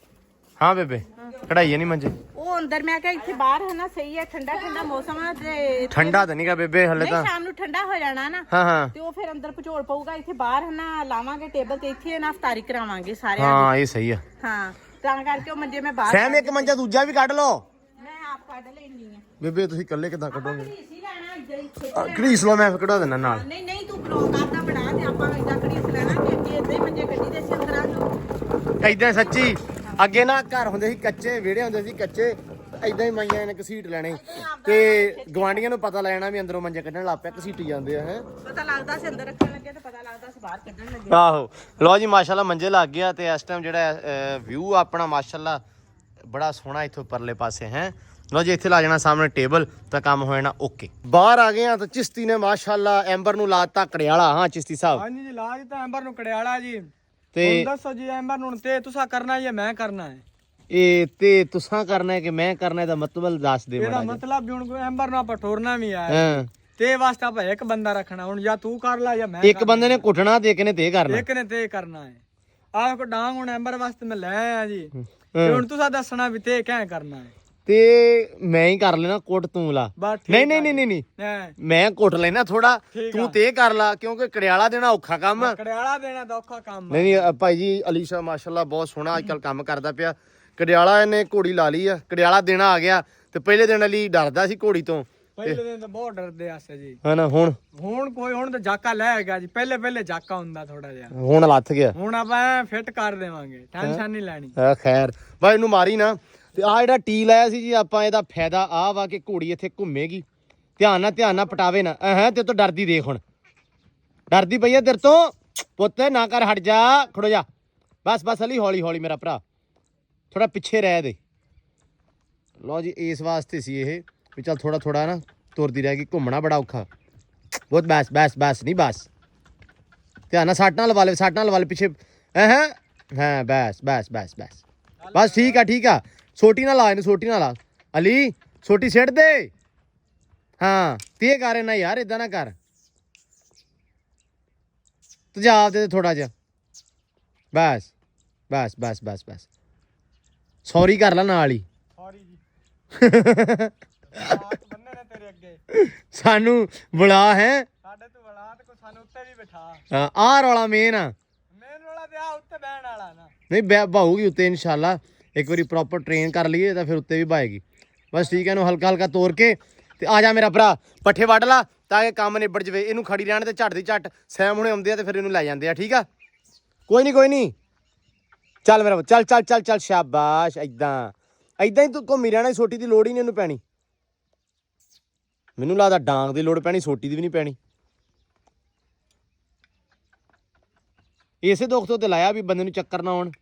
Speaker 1: ਹਾਂ ਬੇਬੇ ਕਢਾਈਏ ਨਹੀਂ ਮੰਜੇ
Speaker 3: ਉਹ ਅੰਦਰ ਮੈਂ ਕਿਹਾ ਇੱਥੇ ਬਾਹਰ ਹੈ ਨਾ ਸਹੀ ਹੈ ਠੰਡਾ ਠੰਡਾ ਮੌਸਮ ਆ ਤੇ
Speaker 1: ਠੰਡਾ ਤਾਂ ਨਹੀਂਗਾ ਬੇਬੇ ਹਲੇ ਤਾਂ
Speaker 3: ਸ਼ਾਮ ਨੂੰ ਠੰਡਾ ਹੋ ਜਾਣਾ ਨਾ
Speaker 1: ਹਾਂ ਹਾਂ
Speaker 3: ਤੇ ਉਹ ਫਿਰ ਅੰਦਰ ਪਚੋਲ ਪਊਗਾ। ਇੱਥੇ ਬਾਹਰ ਹੈ ਨਾ ਲਾਵਾਂਗੇ ਟੇਬਲ ਤੇ ਇੱਥੇ ਨਾ ਇਫਤਾਰੀ ਕਰਾਵਾਂਗੇ ਸਾਰਿਆਂ
Speaker 1: ਹਾਂ ਇਹ ਸਹੀ ਆ।
Speaker 3: ਹਾਂ ਤਾਂ ਕਰਕੇ ਉਹ ਮੰਜੇ ਮੈਂ ਬਾਹਰ
Speaker 1: ਸਹਿਮ ਇੱਕ ਮੰਜਾ ਦੂਜਾ ਵੀ ਕੱਢ ਲਓ।
Speaker 3: ਮੈਂ ਆਪ ਕੱਢ ਲੈਣੀ ਆ।
Speaker 1: ਬੇਬੇ ਤੁਸੀਂ ਇਕੱਲੇ ਕਿੱਦਾਂ ਕੱਢੋਗੇ?
Speaker 3: ਘੜੀਸ ਹੀ ਲੈਣਾ ਇੱਦਾਂ ਹੀ ਖਿੱਚ
Speaker 1: ਘੜੀਸ ਲਓ ਮੈਂ ਕਢਾ ਦੇਣਾ ਨਾਲ।
Speaker 3: ਨਹੀਂ ਨਹੀਂ ਤੂੰ ਬਲੌਗ ਕਰਦਾ ਬਣਾ ਤੇ ਆਪਾਂ ਇੱਦਾਂ ਘੜੀਸ ਲੈਣਾ ਕਿ ਅੱਗੇ ਇੱਦਾਂ ਹੀ ਮੰਜੇ ਕੱਢੀ ਦੇ ਸੀ ਅੰਦਰਾਂ ਨੂੰ।
Speaker 1: ਏਦਾਂ ਸੱਚੀ ਅੱਗੇ ਨਾ ਘਰ ਹੁੰਦੇ ਸੀ ਕੱਚੇ ਵਿਹੜੇ ਹੁੰਦੇ ਸੀ ਕੱਚੇ ਏਦਾਂ ਹੀ ਮਾਈਆਂ ਨੇ ਘਸੀਟ ਲੈਣੇ ਤੇ ਗਵਾਂਢੀਆਂ ਨੂੰ ਪਤਾ ਲੈਣਾ ਵੀ ਅੰਦਰੋਂ ਮੰਜੇ ਕੱਢਣ ਲੱਗ ਪਿਆ ਘਸੀਟੀ ਜਾਂਦੇ ਆ ਹੈ।
Speaker 3: ਪਤਾ ਲੱਗਦਾ ਸੀ ਅੰਦਰ ਰੱਖਣ ਲੱਗੇ ਤੇ ਪਤਾ ਲੱਗਦਾ ਸੀ ਬਾਹਰ ਕੱਢਣ ਲੱਗੇ।
Speaker 1: ਆਹੋ ਲਓ ਜੀ ਮਾਸ਼ਾਅੱਲਾ ਮੰਜੇ ਲੱਗ ਗਿਆ ਤੇ ਇਸ ਟਾਈਮ ਜਿਹੜਾ ਵਿਊ ਆਪਣਾ ਮਾਸ਼ਾਅੱਲਾ ਬੜਾ ਸੋਹਣਾ ਇੱਥੋਂ ਪਰਲੇ ਪਾਸੇ ਹੈ। ਲਓ ਜੀ ਇੱਥੇ ਲਾ ਜਾਣਾ ਸਾਹਮਣੇ ਟੇਬਲ ਤਾਂ ਕੰਮ ਹੋ ਜਾਣਾ ਓਕੇ। ਬਾਹਰ ਆ ਗਏ ਆ ਤਾਂ ਚਿਸ਼ਤੀ ਨੇ ਮਾਸ਼ਾਅੱਲਾ ਐਂਬਰ ਨੂੰ ਲਾਤਾ ਕੜਿਆਲਾ। ਹਾਂ ਚਿਸ਼ਤੀ ਸਾਹਿਬ
Speaker 2: ਹਾਂਜੀ ਜੀ ਲਾ ਦਿੱਤਾ ਐਂਬਰ ਨੂੰ ਕੜਿਆਲਾ ਜੀ।
Speaker 1: ਤੇ
Speaker 2: ਹੁਣ ਦੱਸੋ ਜੀ ਐਂਬਰ ਨੂੰ ਤੇ ਤੁਸੀਂ ਕਰਨਾ ਜਾਂ ਮੈਂ ਕਰਨਾ ਹੈ?
Speaker 1: ਇਹ ਤੇ ਤੁਸਾਂ ਕਰਨਾ ਹੈ ਕਿ ਮੈਂ ਕਰਨਾ ਇਹਦਾ ਮਤਲਬ ਦੱਸ ਦੇ
Speaker 2: ਇਹਦਾ
Speaker 1: ਮਾੜਾ ਜਿਹਾ।
Speaker 2: ਮਤਲਬ ਵੀ ਹੁਣ ਐਂਬਰ ਨੂੰ ਆਪਾਂ ਠੋਰਨਾ ਵੀ ਆ
Speaker 1: ਹਾਂ
Speaker 2: ਤੇ ਵਾਸਤੇ ਆਪਾਂ ਇੱਕ ਬੰਦਾ ਰੱਖਣਾ। ਹੁਣ ਜਾਂ ਤੂੰ ਕਰ ਲੈ ਜਾਂ ਮੈਂ
Speaker 1: ਇੱਕ ਬੰਦੇ ਨੇ ਕੁੱਟਣਾ ਤੇ ਇੱਕ ਨੇ ਤੇ ਕਰਨਾ।
Speaker 2: ਇੱਕ ਨੇ ਤੇ ਕਰਨਾ ਹੈ। ਆਹ ਕੋ ਡਾਂਗ ਹੁਣ ਐਂਬਰ ਵਾਸਤੇ ਮੈਂ ਲੈ ਆਇਆ ਜੀ ਤੇ ਹੁਣ ਤੁਸੀਂ ਦੱਸਣਾ ਵੀ ਤੇ ਕਿਵੇਂ ਕਰਨਾ ਹੈ।
Speaker 1: ਤੇ ਮੈਂ ਹੀ ਕਰ ਲੈਣਾ ਕੁੱਟ ਤੂੰ ਲਾ।
Speaker 2: ਬਸ ਠੀਕ
Speaker 1: ਨਹੀਂ ਨਹੀਂ ਨਹੀਂ ਨਹੀਂ
Speaker 2: ਹੈ।
Speaker 1: ਮੈਂ ਕੁੱਟ ਲੈਣਾ ਥੋੜਾ
Speaker 2: ਠੀਕ
Speaker 1: ਤੂੰ
Speaker 2: ਆ।
Speaker 1: ਤੇ ਕਰ ਲਾ ਕਿਉਂਕਿ ਕੜਿਆਲਾ ਦੇਣਾ ਔਖਾ ਕੰਮ ਆ।
Speaker 2: ਕੜਿਆਲਾ ਦੇਣਾ ਤਾਂ ਔਖਾ ਕੰਮ
Speaker 1: ਨਹੀਂ ਨਹੀਂ ਅ, ਭਾਈ ਜੀ ਅਲੀ ਸ਼ਾਹ ਮਾਸ਼ਾਅੱਲਾ ਬਹੁਤ ਸੋਹਣਾ ਅੱਜ ਕੱਲ ਕੰਮ ਕਰਦਾ ਪਿਆ। ਕੜਿਆਲਾ ਇਹਨੇ ਘੋੜੀ ਲਾ ਲਈ ਆ। ਕੜਿਆਲਾ ਦੇਣਾ ਆ ਗਿਆ ਤੇ ਪਹਿਲੇ ਦਿਨ ਅਲੀ ਡਰਦਾ ਸੀ ਘੋੜੀ ਤੋਂ
Speaker 2: ਪਹਿਲੇ ਦਿਨ ਤਾਂ ਬਹੁਤ ਡਰਦੇ ਆਸੇ ਜੀ।
Speaker 1: ਹਨਾ ਹੁਣ
Speaker 2: ਹੁਣ ਕੋਈ ਹੁਣ ਤਾਂ ਜਾਕਾ ਲੈ ਗਿਆ ਜੀ। ਪਹਿਲੇ ਪਹਿਲੇ ਜਾਕਾ ਹੁੰਦਾ ਥੋੜਾ ਜਿਹਾ।
Speaker 1: ਹੁਣ ਲੱਥ ਗਿਆ।
Speaker 2: ਹੁਣ ਆਪਾਂ ਫਿੱਟ ਕਰ ਦੇਵਾਂਗੇ ਟੈਨਸ਼ਨ ਨਹੀਂ ਲੈਣੀ।
Speaker 1: ਆ ਖੈਰ ਭਾਈ ਇਹਨੂੰ ਮਾਰੀ ਨਾ। ਤੇ ਆ ਜਿਹੜਾ ਟੀ ਲਾਇਆ ਸੀ ਜੀ ਆਪਾਂ ਇਹਦਾ ਫਾਇਦਾ ਆ ਵਾ ਕਿ ਘੋੜੀ ਇੱਥੇ ਘੁੰਮੇਗੀ। ਧਿਆਨ ਨਾਲ ਧਿਆਨ ਨਾਲ ਪਟਾਵੇ ਨਾ ਹੈ ਤੇ ਤੋਂ ਡਰਦੀ ਦੇਖ ਹੁਣ ਡਰਦੀ ਪਈ ਆ ਤੇਰੇ ਤੋਂ ਪੁੱਤ ਨਾ ਕਰ ਹਟ ਜਾ ਖੜੋ ਜਾ ਬਸ ਬਸ ਅਲੀ ਹੌਲੀ ਹੌਲੀ ਮੇਰਾ ਭਰਾ ਥੋੜਾ ਪਿੱਛੇ ਰਹਿ ਦੇ। ਲਓ ਜੀ ਇਸ ਵਾਸਤੇ ਸੀ ਇਹ ਵੀ ਚੱਲ ਥੋੜਾ ਥੋੜਾ ਨਾ ਤੁਰਦੀ ਰਹਿ ਗਈ ਘੁੰਮਣਾ ਬੜਾ ਔਖਾ ਬਹੁਤ। ਬਸ ਬਸ ਬਸ ਨਹੀਂ ਬਸ ਧਿਆਨ ਨਾਲ ਸੱਟ ਨਾਲ ਲਵਾ ਲੈ ਸੱਟ ਨਾਲ ਲਵਾ ਲੈ ਪਿੱਛੇ ਹੈ ਹਾਂ ਬਸ ਬਸ ਬਸ ਬਸ ਬਸ ਠੀਕ ਆ ਠੀਕ ਆ। ਸੋਟੀ ਨਾ ਲਾ ਇਹਨੂੰ ਸੋਟੀ ਨਾ ਲਾ ਅਲੀ ਸੋਟੀ ਸਿੱਟ ਦੇ। ਹਾਂ ਤੇ ਕਰ ਨਾ ਯਾਰ ਇਦਾਂ ਨਾ ਕਰ ਤੇਜ਼ਾਬ ਦੇ ਥੋੜਾ ਜਿਹਾ ਬਸ ਬਸ ਬਸ ਬਸ ਬਸ ਸੌਰੀ ਕਰ ਲੈ ਨਾਲ ਹੀ।
Speaker 2: ਸੌਰੀ ਜੀ ਹੱਥ ਬੰਨੇ ਨੇ ਤੇਰੇ ਅੱਗੇ
Speaker 1: ਸਾਨੂੰ ਬੁਲਾ ਹੈ
Speaker 2: ਸਾਡੇ ਤੋਂ ਬੜਾ ਤੇ ਕੋ ਸਾਨੂੰ ਉੱਤੇ ਵੀ ਬਿਠਾ।
Speaker 1: ਹਾਂ ਆਹ ਰੌਲਾ ਮੇਨ ਆ
Speaker 2: ਮੇਨ ਵਾਲਾ ਤੇ ਆ ਉੱਤੇ ਬਹਿਣ ਵਾਲਾ ਨਾ।
Speaker 1: ਨਹੀਂ ਬੈ ਬਾਹੂਗੀ ਉੱਤੇ ਇਨਸ਼ਾਅੱਲਾ ਇੱਕ ਵਾਰੀ ਪ੍ਰੋਪਰ ਟ੍ਰੇਨ ਕਰ ਲਈਏ ਤਾਂ ਫਿਰ ਉੱਤੇ ਵੀ ਬਾਏਗੀ। ਬਸ ਠੀਕ ਹੈ ਇਹਨੂੰ ਹਲਕਾ ਹਲਕਾ ਤੋੜ ਕੇ ਤੇ ਆ ਜਾ ਮੇਰਾ ਭਰਾ ਪੱਠੇ ਵੱਢ ਲਾ ਤਾਂ ਕਿ ਕੰਮ ਨਿਬੜ ਜਵੇ। ਇਹਨੂੰ ਖੜੀ ਰਹਿਣ ਤੇ ਝੱਟ ਦੀ ਝੱਟ ਸੈਮ ਹੁਣੇ ਆਉਂਦੇ ਆ ਤੇ ਫਿਰ ਇਹਨੂੰ ਲੈ ਜਾਂਦੇ ਆ। ਠੀਕ ਆ ਕੋਈ ਨਹੀਂ ਕੋਈ ਨਹੀਂ ਚੱਲ ਮੇਰਾ ਚੱਲ ਚੱਲ ਚੱਲ ਚੱਲ ਸ਼ਾਬਾਸ਼ ਏਦਾਂ ਏਦਾਂ ਹੀ ਤੂੰ ਘੁੰਮੀ ਰਹਿਣਾ। ਸੋਟੀ ਦੀ ਲੋੜ ਹੀ ਨਹੀਂ ਇਹਨੂੰ ਪੈਣੀ। ਮੈਨੂੰ ਲੱਗਦਾ ਡਾਂਗ ਦੀ ਲੋੜ ਪੈਣੀ ਸੋਟੀ ਦੀ ਵੀ ਨਹੀਂ ਪੈਣੀ। ਇਸੇ ਦੁੱਖ ਤੋਂ ਤੇ ਲਾਇਆ ਵੀ ਬੰਦੇ ਨੂੰ ਚੱਕਰ ਨਾ ਆਉਣ।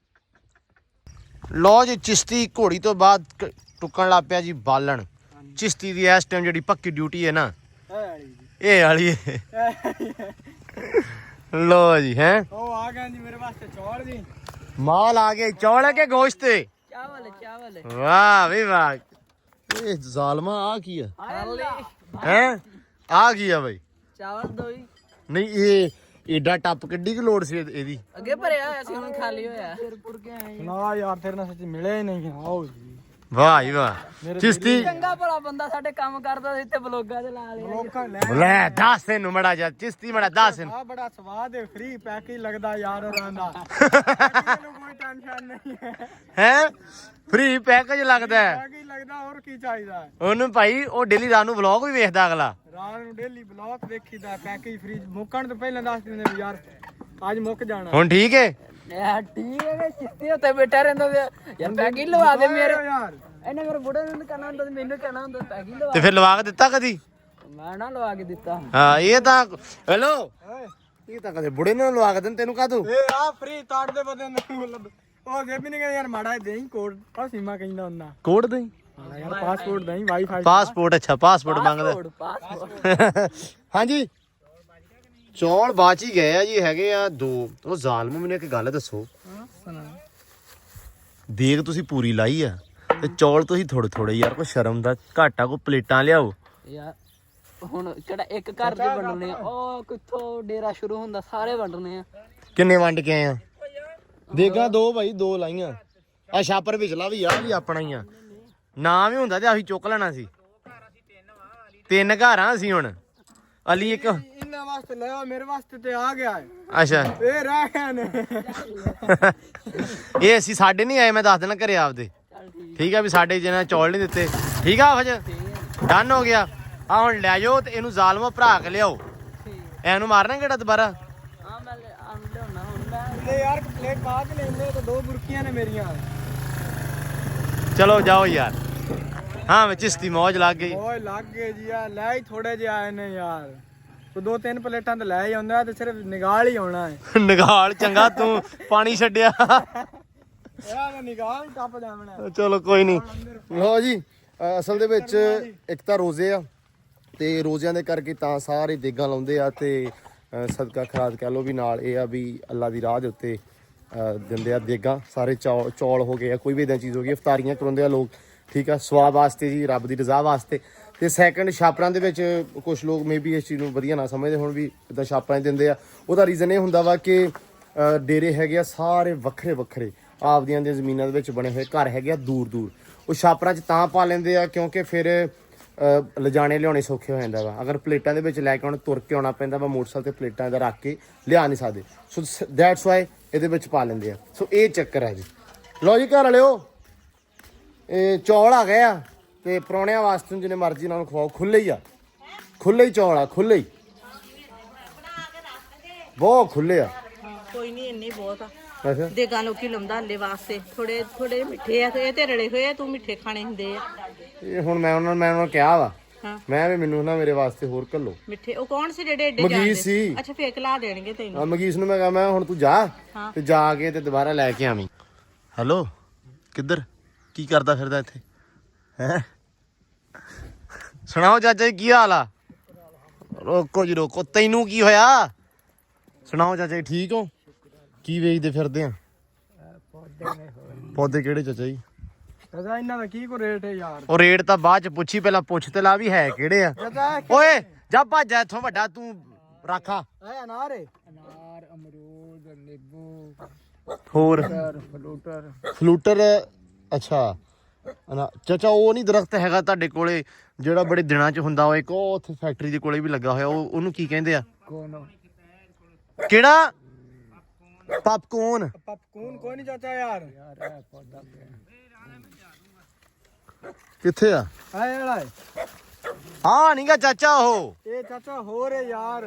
Speaker 1: ਲਓ ਜੀ ਚਿਸ਼ਤੀ ਘੋੜੀ ਤੋਂ ਬਾਅਦ ਟੁੱਕਣ ਲੱਗ ਪਿਆ ਜੀ ਬਾਲਣ। ਚਿਸ਼ਤੀ ਦੀ ਇਸ ਟਾਈਮ ਜਿਹੜੀ ਪੱਕੀ ਡਿਊਟੀ ਹੈ ਨਾ ਇਹ ਵਾਲੀ ਲੋ ਜੀ ਹੈ
Speaker 2: ਉਹ ਆ ਗਏ ਜੀ ਮੇਰੇ ਵਾਸਤੇ ਚੌਲ ਜੀ।
Speaker 1: ਮਾਲ ਆ ਗਏ ਚੌਲ ਕੇ ਗੋਸ਼ਤ ਤੇ
Speaker 2: ਚਾਵਲ ਚਾਵਲ
Speaker 1: ਵਾਹ ਵੀ ਵਾਹ ਇਹ ਜ਼ਾਲਮਾ ਆ ਕੀ ਆ ਹੈ ਆ ਕੀ ਆ ਬਈ
Speaker 2: ਚਾਵਲ ਦੋ ਹੀ
Speaker 1: ਨਹੀਂ ਇਹ ਏਡਾ ਟੱਪ ਕਿੱਡੀ ਕੁ ਲੋੜ ਸੀ ਇਹ- ਇਹਦੀ
Speaker 2: ਅੱਗੇ ਭਰਿਆ ਹੋਇਆ ਸੀ ਹੁਣ ਖਾਲੀ ਹੋਇਆ ਨਾ ਯਾਰ ਤੇਰੇ ਨਾਲ ਸੱਚ ਮਿਲੇ ਹੀ ਨਹੀਂ ਆਓ ਜੀ।
Speaker 1: ਵਾਹ ਜੀ ਵਾਹ ਚਿਸ਼ਤੀ
Speaker 2: ਚੰਗਾ ਭਲਾ ਬੰਦਾ ਸਾਡੇ ਕੰਮ ਕਰਦਾ ਸੀ ਤੇ ਬਲੋਗਾਂ ਤੇ ਲਾ ਲਿਆ ਲੋਕਾਂ ਲੈ
Speaker 1: ਲੈ ਦੱਸ ਇਹਨੂੰ ਮੜਾ ਜਾ ਚਿਸ਼ਤੀ ਮੜਾ ਦੱਸ ਇਹਨੂੰ
Speaker 2: ਆ ਬੜਾ ਸਵਾਦ ਹੈ ਫ੍ਰੀ ਪੈਕੇਜ ਲੱਗਦਾ ਯਾਰ ਹੋਰਾਂ ਦਾ ਇਹਨੂੰ ਕੋਈ ਟੈਨਸ਼ਨ ਨਹੀਂ ਹੈ
Speaker 1: ਹੈ ਫ੍ਰੀ ਪੈਕੇਜ ਲੱਗਦਾ ਹੈ
Speaker 2: ਪੈਕੇਜ ਲੱਗਦਾ ਹੋਰ ਕੀ ਚਾਹੀਦਾ
Speaker 1: ਉਹਨੂੰ ਭਾਈ ਉਹ ਡੇਲੀ ਰਾਤ ਨੂੰ ਵਲੌਗ ਵੀ ਵੇਖਦਾ ਅਗਲਾ
Speaker 2: ਰਾਤ ਨੂੰ ਡੇਲੀ ਬਲੌਗ ਵੇਖੀਦਾ ਪੈਕੇਜ ਫ੍ਰੀ ਮੁੱਕਣ ਤੋਂ ਪਹਿਲਾਂ ਦੱਸ ਦਿੰਦੇ ਵੀ ਯਾਰ ਅੱਜ ਮੁੱਕ ਜਾਣਾ
Speaker 1: ਹੁਣ ਠੀਕ ਹੈ
Speaker 2: ਯਾਰ ਠੀਕ ਹੈ ਚਿੱਤੇ ਉੱਤੇ ਬੈਠਾ ਰਹਿੰਦਾ ਯਾਰ ਪੈਕੇਜ ਲਵਾ ਦੇ ਮੇਰੇ ਯਾਰ ਇਹਨੇ ਮੇਰੇ ਬੁੜੇ ਨੂੰ ਕਹਿਣਾ ਹੁੰਦਾ ਤੇ ਮੈਨੂੰ ਕਹਿਣਾ ਹੁੰਦਾ ਪੈਕੇਜ ਲਵਾ
Speaker 1: ਤੇ ਫਿਰ ਲਵਾ ਕੇ ਦਿੱਤਾ ਕਦੀ
Speaker 2: ਮੈਂ ਨਾ ਲਵਾ ਕੇ ਦਿੱਤਾ
Speaker 1: ਹਾਂ ਇਹ ਤਾਂ ਹੈਲੋ ਇਹ ਤਾਂ ਕਦੇ ਬੁੜੇ ਨੂੰ ਲਵਾ ਕੇ ਦਿੰਦੇ ਤੈਨੂੰ ਕਾਹਤੋਂ
Speaker 2: ਏ ਆ ਫ੍ਰੀ ਤਾੜ ਦੇ ਬੰਦੇ ਨੂੰ ਮਤਲਬ ਉਹ ਜੇ ਵੀ ਨਹੀਂ ਕਹਿੰਦਾ ਯਾਰ ਮਾੜਾ ਦੇਈ ਕੋਡ ਆ ਸੀਮਾ ਕਹਿੰਦਾ ਹੁੰਦਾ
Speaker 1: ਕੋਡ ਦੇਈ
Speaker 2: ਹਾਂ ਯਾਰ ਪਾਸਪੋਰਟ ਦੇਈ ਵਾਈਫਾਈ
Speaker 1: ਪਾਸਪੋਰਟ ਅੱਛਾ ਪਾਸਪੋਰਟ ਮੰਗਦਾ
Speaker 2: ਪਾਸਪੋਰਟ
Speaker 1: ਹਾਂਜੀ ਚੌਲ ਬਾਚ ਹੀ ਗਏ ਆ ਜੀ ਹੈਗੇ ਆ ਦੋ ਉਹ ਜ਼ਾਲਮ ਮੈਨੂੰ ਇੱਕ ਗੱਲ ਦੱਸੋ ਦੇਖ ਤੁਸੀਂ ਪੂਰੀ ਲਾਈ ਆ ਤੇ ਚੌਲ ਤੁਸੀਂ ਥੋੜੇ ਥੋੜੇ ਯਾਰ ਕੋਈ ਸ਼ਰਮ ਦਾ ਘਾਟਾ ਕੋ ਪਲੇਟਾਂ ਲਿਆਓ
Speaker 5: ਯਾਰ ਹੁਣ ਕਿਹੜਾ ਇੱਕ ਘਰ ਦੇ ਵੰਡਣੇ ਆ ਉਹ ਕਿੱਥੋਂ ਡੇਰਾ ਸ਼ੁਰੂ ਹੁੰਦਾ ਸਾਰੇ ਵੰਡਣੇ ਆ
Speaker 1: ਕਿੰਨੇ ਵੰਡ ਕੇ ਆਏ ਆ ਦੇਗਾ ਦੋ ਭਾਈ ਦੋ ਲਾਈਆਂ ਆ ਛਾਪਰ ਵਿਚਲਾ ਵੀ ਆ ਵੀ ਆਪਣਾ ਹੀ ਆ ਨਾ ਵੀ ਹੁੰਦਾ ਤੇ ਅਸੀਂ ਚੁੱਕ ਲੈਣਾ ਸੀ ਤਿੰਨ ਘਰ ਆ ਅਸੀਂ ਹੁਣ ਅਲੀ ਇੱਕ
Speaker 2: ਇਹਨਾਂ ਵਾਸਤੇ ਲਿਆ ਮੇਰੇ ਵਾਸਤੇ ਤੇ ਆ ਗਿਆ ਹੈ
Speaker 1: ਅੱਛਾ
Speaker 2: ਇਹ ਰਹਿ ਗਏ ਨੇ
Speaker 1: ਇਹ ਅਸੀਂ ਸਾਡੇ ਨਹੀਂ ਆਏ ਮੈਂ ਦੱਸ ਦੇਣਾ ਘਰੇ ਆਪਦੇ ਠੀਕ ਆ ਵੀ ਸਾਡੇ ਜਿਹਨਾਂ ਚੌਲ ਨਹੀਂ ਦਿੱਤੇ ਠੀਕ ਆ ਫਜ ਡਨ ਹੋ ਗਿਆ ਆ ਹੁਣ ਲੈ ਜਾਓ ਤੇ ਇਹਨੂੰ ਜ਼ਾਲਮਾ ਭਰਾ ਕੇ ਲਿਆਓ ਇਹਨੂੰ ਮਾਰਨਾ ਕਿਹੜਾ ਦੁਬਾਰਾ
Speaker 5: ਆ ਮੈਂ ਲਿਆਉਣਾ ਹੁਣ ਮੈਂ
Speaker 2: ਲੈ ਯਾਰ ਪਲੇਟ ਪਾ ਕੇ ਲੈਂਦੇ ਤੇ ਦੋ ਬੁਰਕੀਆਂ ਨੇ ਮੇਰੀਆਂ
Speaker 1: ਚਲੋ ਜਾਓ ਯਾਰ ਹਾਂ ਵਿੱਚ ਚਿਸ਼ਤੀ ਮੌਜ ਲੱਗ ਗਈ
Speaker 2: ਓਏ ਲੱਗ ਗਏ ਜੀ ਆ ਲੈ ਹੀ ਥੋੜੇ ਜਿਹੇ ਆਏ ਨੇ ਯਾਰ ਤੂੰ ਦੋ ਤਿੰਨ ਪਲੇਟਾਂ ਤੇ ਲੈ ਹੀ ਆਉਂਦਾ ਤੇ ਸਿਰਫ ਨਿਗਾਲ ਹੀ ਆਉਣਾ ਹੈ
Speaker 1: ਨਿਗਾਲ ਚੰਗਾ ਤੂੰ ਪਾਣੀ ਛੱਡਿਆ
Speaker 2: ਯਾਰ ਮੈਂ ਨਿਗਾਲ ਹੀ ਟੱਪ ਜਾਵਣਾ
Speaker 1: ਚਲੋ ਕੋਈ ਨਹੀਂ ਲਓ ਜੀ ਅ, ਅਸਲ ਦੇ ਵਿੱਚ ਇੱਕ ਤਾਂ ਰੋਜ਼ੇ ਆ ਤੇ ਰੋਜ਼ਿਆਂ ਦੇ ਕਰਕੇ ਤਾਂ ਸਾਰੇ ਦੇਗਾਂ ਲਾਉਂਦੇ ਆ ਤੇ ਅ, ਸਦਕਾ ਖਰਾਦ ਕਹਿ ਲਓ ਵੀ ਨਾਲ ਇਹ ਆ ਵੀ ਅੱਲਾ ਦੀ ਰਾਹ ਦੇ ਉੱਤੇ ਅ, ਦਿੰਦੇ ਆ ਦੇਗਾਂ ਸਾਰੇ ਚੌ ਚੌਲ ਹੋ ਗਏ ਆ ਕੋਈ ਵੀ ਇਦਾਂ ਚੀਜ਼ ਹੋ ਗਈ ਇਫਤਾਰੀਆਂ ਕਰਾਉਂਦੇ ਆ ਲੋਕ ਠੀਕ ਆ ਸਵਾਦ ਵਾਸਤੇ ਜੀ ਰੱਬ ਦੀ ਰਜ਼ਾ ਵਾਸਤੇ ਤੇ ਸੈਕੰਡ ਛਾਪਰਾਂ ਦੇ ਵਿੱਚ ਕੁਝ ਲੋਕ ਮੇਬੀ ਇਸ ਚੀਜ਼ ਨੂੰ ਵਧੀਆ ਨਾ ਸਮਝਦੇ ਹੁਣ ਵੀ ਇਦਾਂ ਛਾਪਰਾਂ ਦਿੰਦੇ ਆ ਉਹਦਾ ਰੀਜ਼ਨ ਇਹ ਹੁੰਦਾ ਵਾ ਕਿ ਅ, ਡੇਰੇ ਹੈਗੇ ਆ ਸਾਰੇ ਵੱਖਰੇ ਵੱਖਰੇ ਆਪਦੀਆਂ ਦੀਆਂ ਜ਼ਮੀਨਾਂ ਦੇ ਵਿੱਚ ਬਣੇ ਹੋਏ ਘਰ ਹੈਗੇ ਆ ਦੂਰ ਦੂਰ ਉਹ ਛਾਪਰਾਂ 'ਚ ਤਾਂ ਪਾ ਲੈਂਦੇ ਆ ਕਿਉਂਕਿ ਫਿਰ ਅ, ਲਿਜਾਣੇ ਲਿਆਉਣੇ ਸੌਖੇ ਹੋ ਜਾਂਦਾ ਵਾ ਅਗਰ ਪਲੇਟਾਂ ਦੇ ਵਿੱਚ ਲੈ ਕੇ ਆਉਣ ਤੁਰ ਕੇ ਆਉਣਾ ਪੈਂਦਾ ਵਾ ਮੋਟਰਸਾਈਕਲ ਤੇ ਪਲੇਟਾਂ ਦਾ ਰੱਖ ਕੇ ਲਿਆ ਨਹੀਂ ਸਕਦੇ ਸੋ ਦੈਟਸ ਵਾਈ ਇਹਦੇ ਵਿੱਚ ਪਾ ਲੈਂਦੇ ਆ ਸੋ ਇਹ ਚੱਕਰ ਹੈ ਜੀ ਲਓ ਜੀ ਘਰ ਵਾਲਿਓ ਇਹ ਚੌਲ ਆ ਗਏ ਆ ਤੇ ਪਰੌਣਿਆਂ ਵਾਸਤੇ ਜਿੰਨੇ ਮਰਜ਼ੀ ਨਾਲ ਖਵਾਓ ਖੁੱਲੇ ਹੀ ਆ ਖੁੱਲੇ ਹੀ ਚੌਲ ਆ ਖੁੱਲੇ ਹੀ ਬਹੁਤ ਖੁੱਲੇ ਆ
Speaker 3: ਕੋਈ ਨਹੀਂ ਇੰਨੇ ਬਹੁਤ ਆ
Speaker 1: ਅੱਛਾ
Speaker 3: ਦੇਗਾ ਲੋਕੀ ਲੰਦਾ ਹੱਲੇ ਵਾਸਤੇ ਥੋੜੇ ਥੋੜੇ ਮਿੱਠੇ ਆ ਤੇ ਇਹ ਤੇ ਰੜੇ ਹੋਏ ਆ ਤੂੰ ਮਿੱਠੇ ਖਾਣੇ ਹੁੰਦੇ ਆ
Speaker 1: ਇਹ ਹੁਣ ਮੈਂ ਉਹਨਾਂ ਨੂੰ ਮੈਂ ਉਹਨਾਂ ਨੂੰ ਕਿਹਾ ਵਾ
Speaker 3: ਹਾਂ
Speaker 1: ਮੈਂ ਵੀ ਮੈਨੂੰ ਨਾ ਮੇਰੇ ਵਾਸਤੇ ਹੋਰ ਘੱਲੋ
Speaker 3: ਮਿੱਠੇ ਉਹ ਕੌਣ ਸੀ ਜਿਹੜੇ ਏਡੇ
Speaker 1: ਮਗੀਸ
Speaker 3: ਜਾਂਦੇ
Speaker 1: ਸੀ।
Speaker 3: ਅੱਛਾ ਫੇਕ ਲਾ ਦੇਣਗੇ ਤੈਨੂੰ
Speaker 1: ਆ ਮਗੀਸ ਨੂੰ ਮੈਂ ਕਹਾਂ ਮੈਂ ਹੁਣ ਤੂੰ ਜਾ
Speaker 3: ਹਾਂ।
Speaker 1: ਤੇ ਜਾ ਕੇ ਤੇ ਦੁਬਾਰਾ ਲੈ ਕੇ ਆਵੀਂ ਹੈਲੋ ਕਿੱਧਰ ਕੀ ਕਰਦਾ ਫਿਰਦਾ ਇੱਥੇ ਹੈ ਸੁਣਾਓ ਚਾਚਾ ਜੀ ਕੀ ਹਾਲ ਆ ਰੋਕੋ ਜੀ ਰੋਕੋ ਤੈਨੂੰ ਕੀ ਹੋਇਆ ਸੁਣਾਓ ਚਾਚਾ ਜੀ ਠੀਕ ਹੋ ਕੀ ਵੇਚਦੇ ਫਿਰਦੇ ਆ ਪੌਦੇ ਕਿਹੜੇ ਚਾਚਾ ਜੀ
Speaker 2: ਚਾਚਾ ਇਹਨਾਂ ਦਾ ਕੀ ਕੋ ਰੇਟ ਹੈ ਯਾਰ
Speaker 1: ਉਹ ਰੇਟ ਤਾਂ ਬਾਅਦ ਚ ਪੁੱਛੀ ਪਹਿਲਾਂ ਪੁੱਛ ਤੇ ਲਾ ਵੀ ਹੈ ਕਿਹੜੇ ਆ
Speaker 2: ਚਾਚਾ
Speaker 1: ਓਏ ਜਾ ਭੱਜ ਜਾ ਇੱਥੋਂ ਵੱਡਾ ਤੂੰ ਰਾਖਾ
Speaker 2: ਇਹ ਅਨਾਰ ਹੈ ਅਨਾਰ ਅਮਰੂਦ ਨਿੰਬੂ
Speaker 1: ਹੋਰ
Speaker 2: ਫਲੂਟਰ
Speaker 1: ਫਲੂਟਰ ਅੱਛਾ ਅਨਾ ਚਾਚਾ ਉਹ ਨਹੀਂ ਦਰਖਤ ਹੈਗਾ ਤੁਹਾਡੇ ਕੋਲੇ ਜਿਹੜਾ ਬੜੇ ਦਿਨਾਂ ਚ ਹੁੰਦਾ ਉਹ ਇੱਕ ਉਹ ਉੱਥੇ ਫੈਕਟਰੀ ਦੇ ਕੋਲੇ ਵੀ ਲੱਗਾ ਹੋਇਆ ਉਹ ਉਹਨੂੰ ਕੀ ਕਹਿੰਦੇ ਆ
Speaker 2: ਕੋਨ
Speaker 1: ਕਿਹੜਾ ਪਪਕੋਰਨ
Speaker 2: ਪਪਕੂਨ ਕੋਈ ਨਹੀਂ ਚਾਚਾ ਯਾਰ ਯਾਰ ਇਹ ਪੌਦਾ
Speaker 1: ਕਿੱਥੇ ਆ
Speaker 2: ਹੈ ਵਾਲਾ ਹੈ
Speaker 1: ਹਾਂ ਨਹੀਂਗਾ ਚਾਚਾ ਉਹ
Speaker 2: ਇਹ ਚਾਚਾ ਹੋਰ ਹੈ ਯਾਰ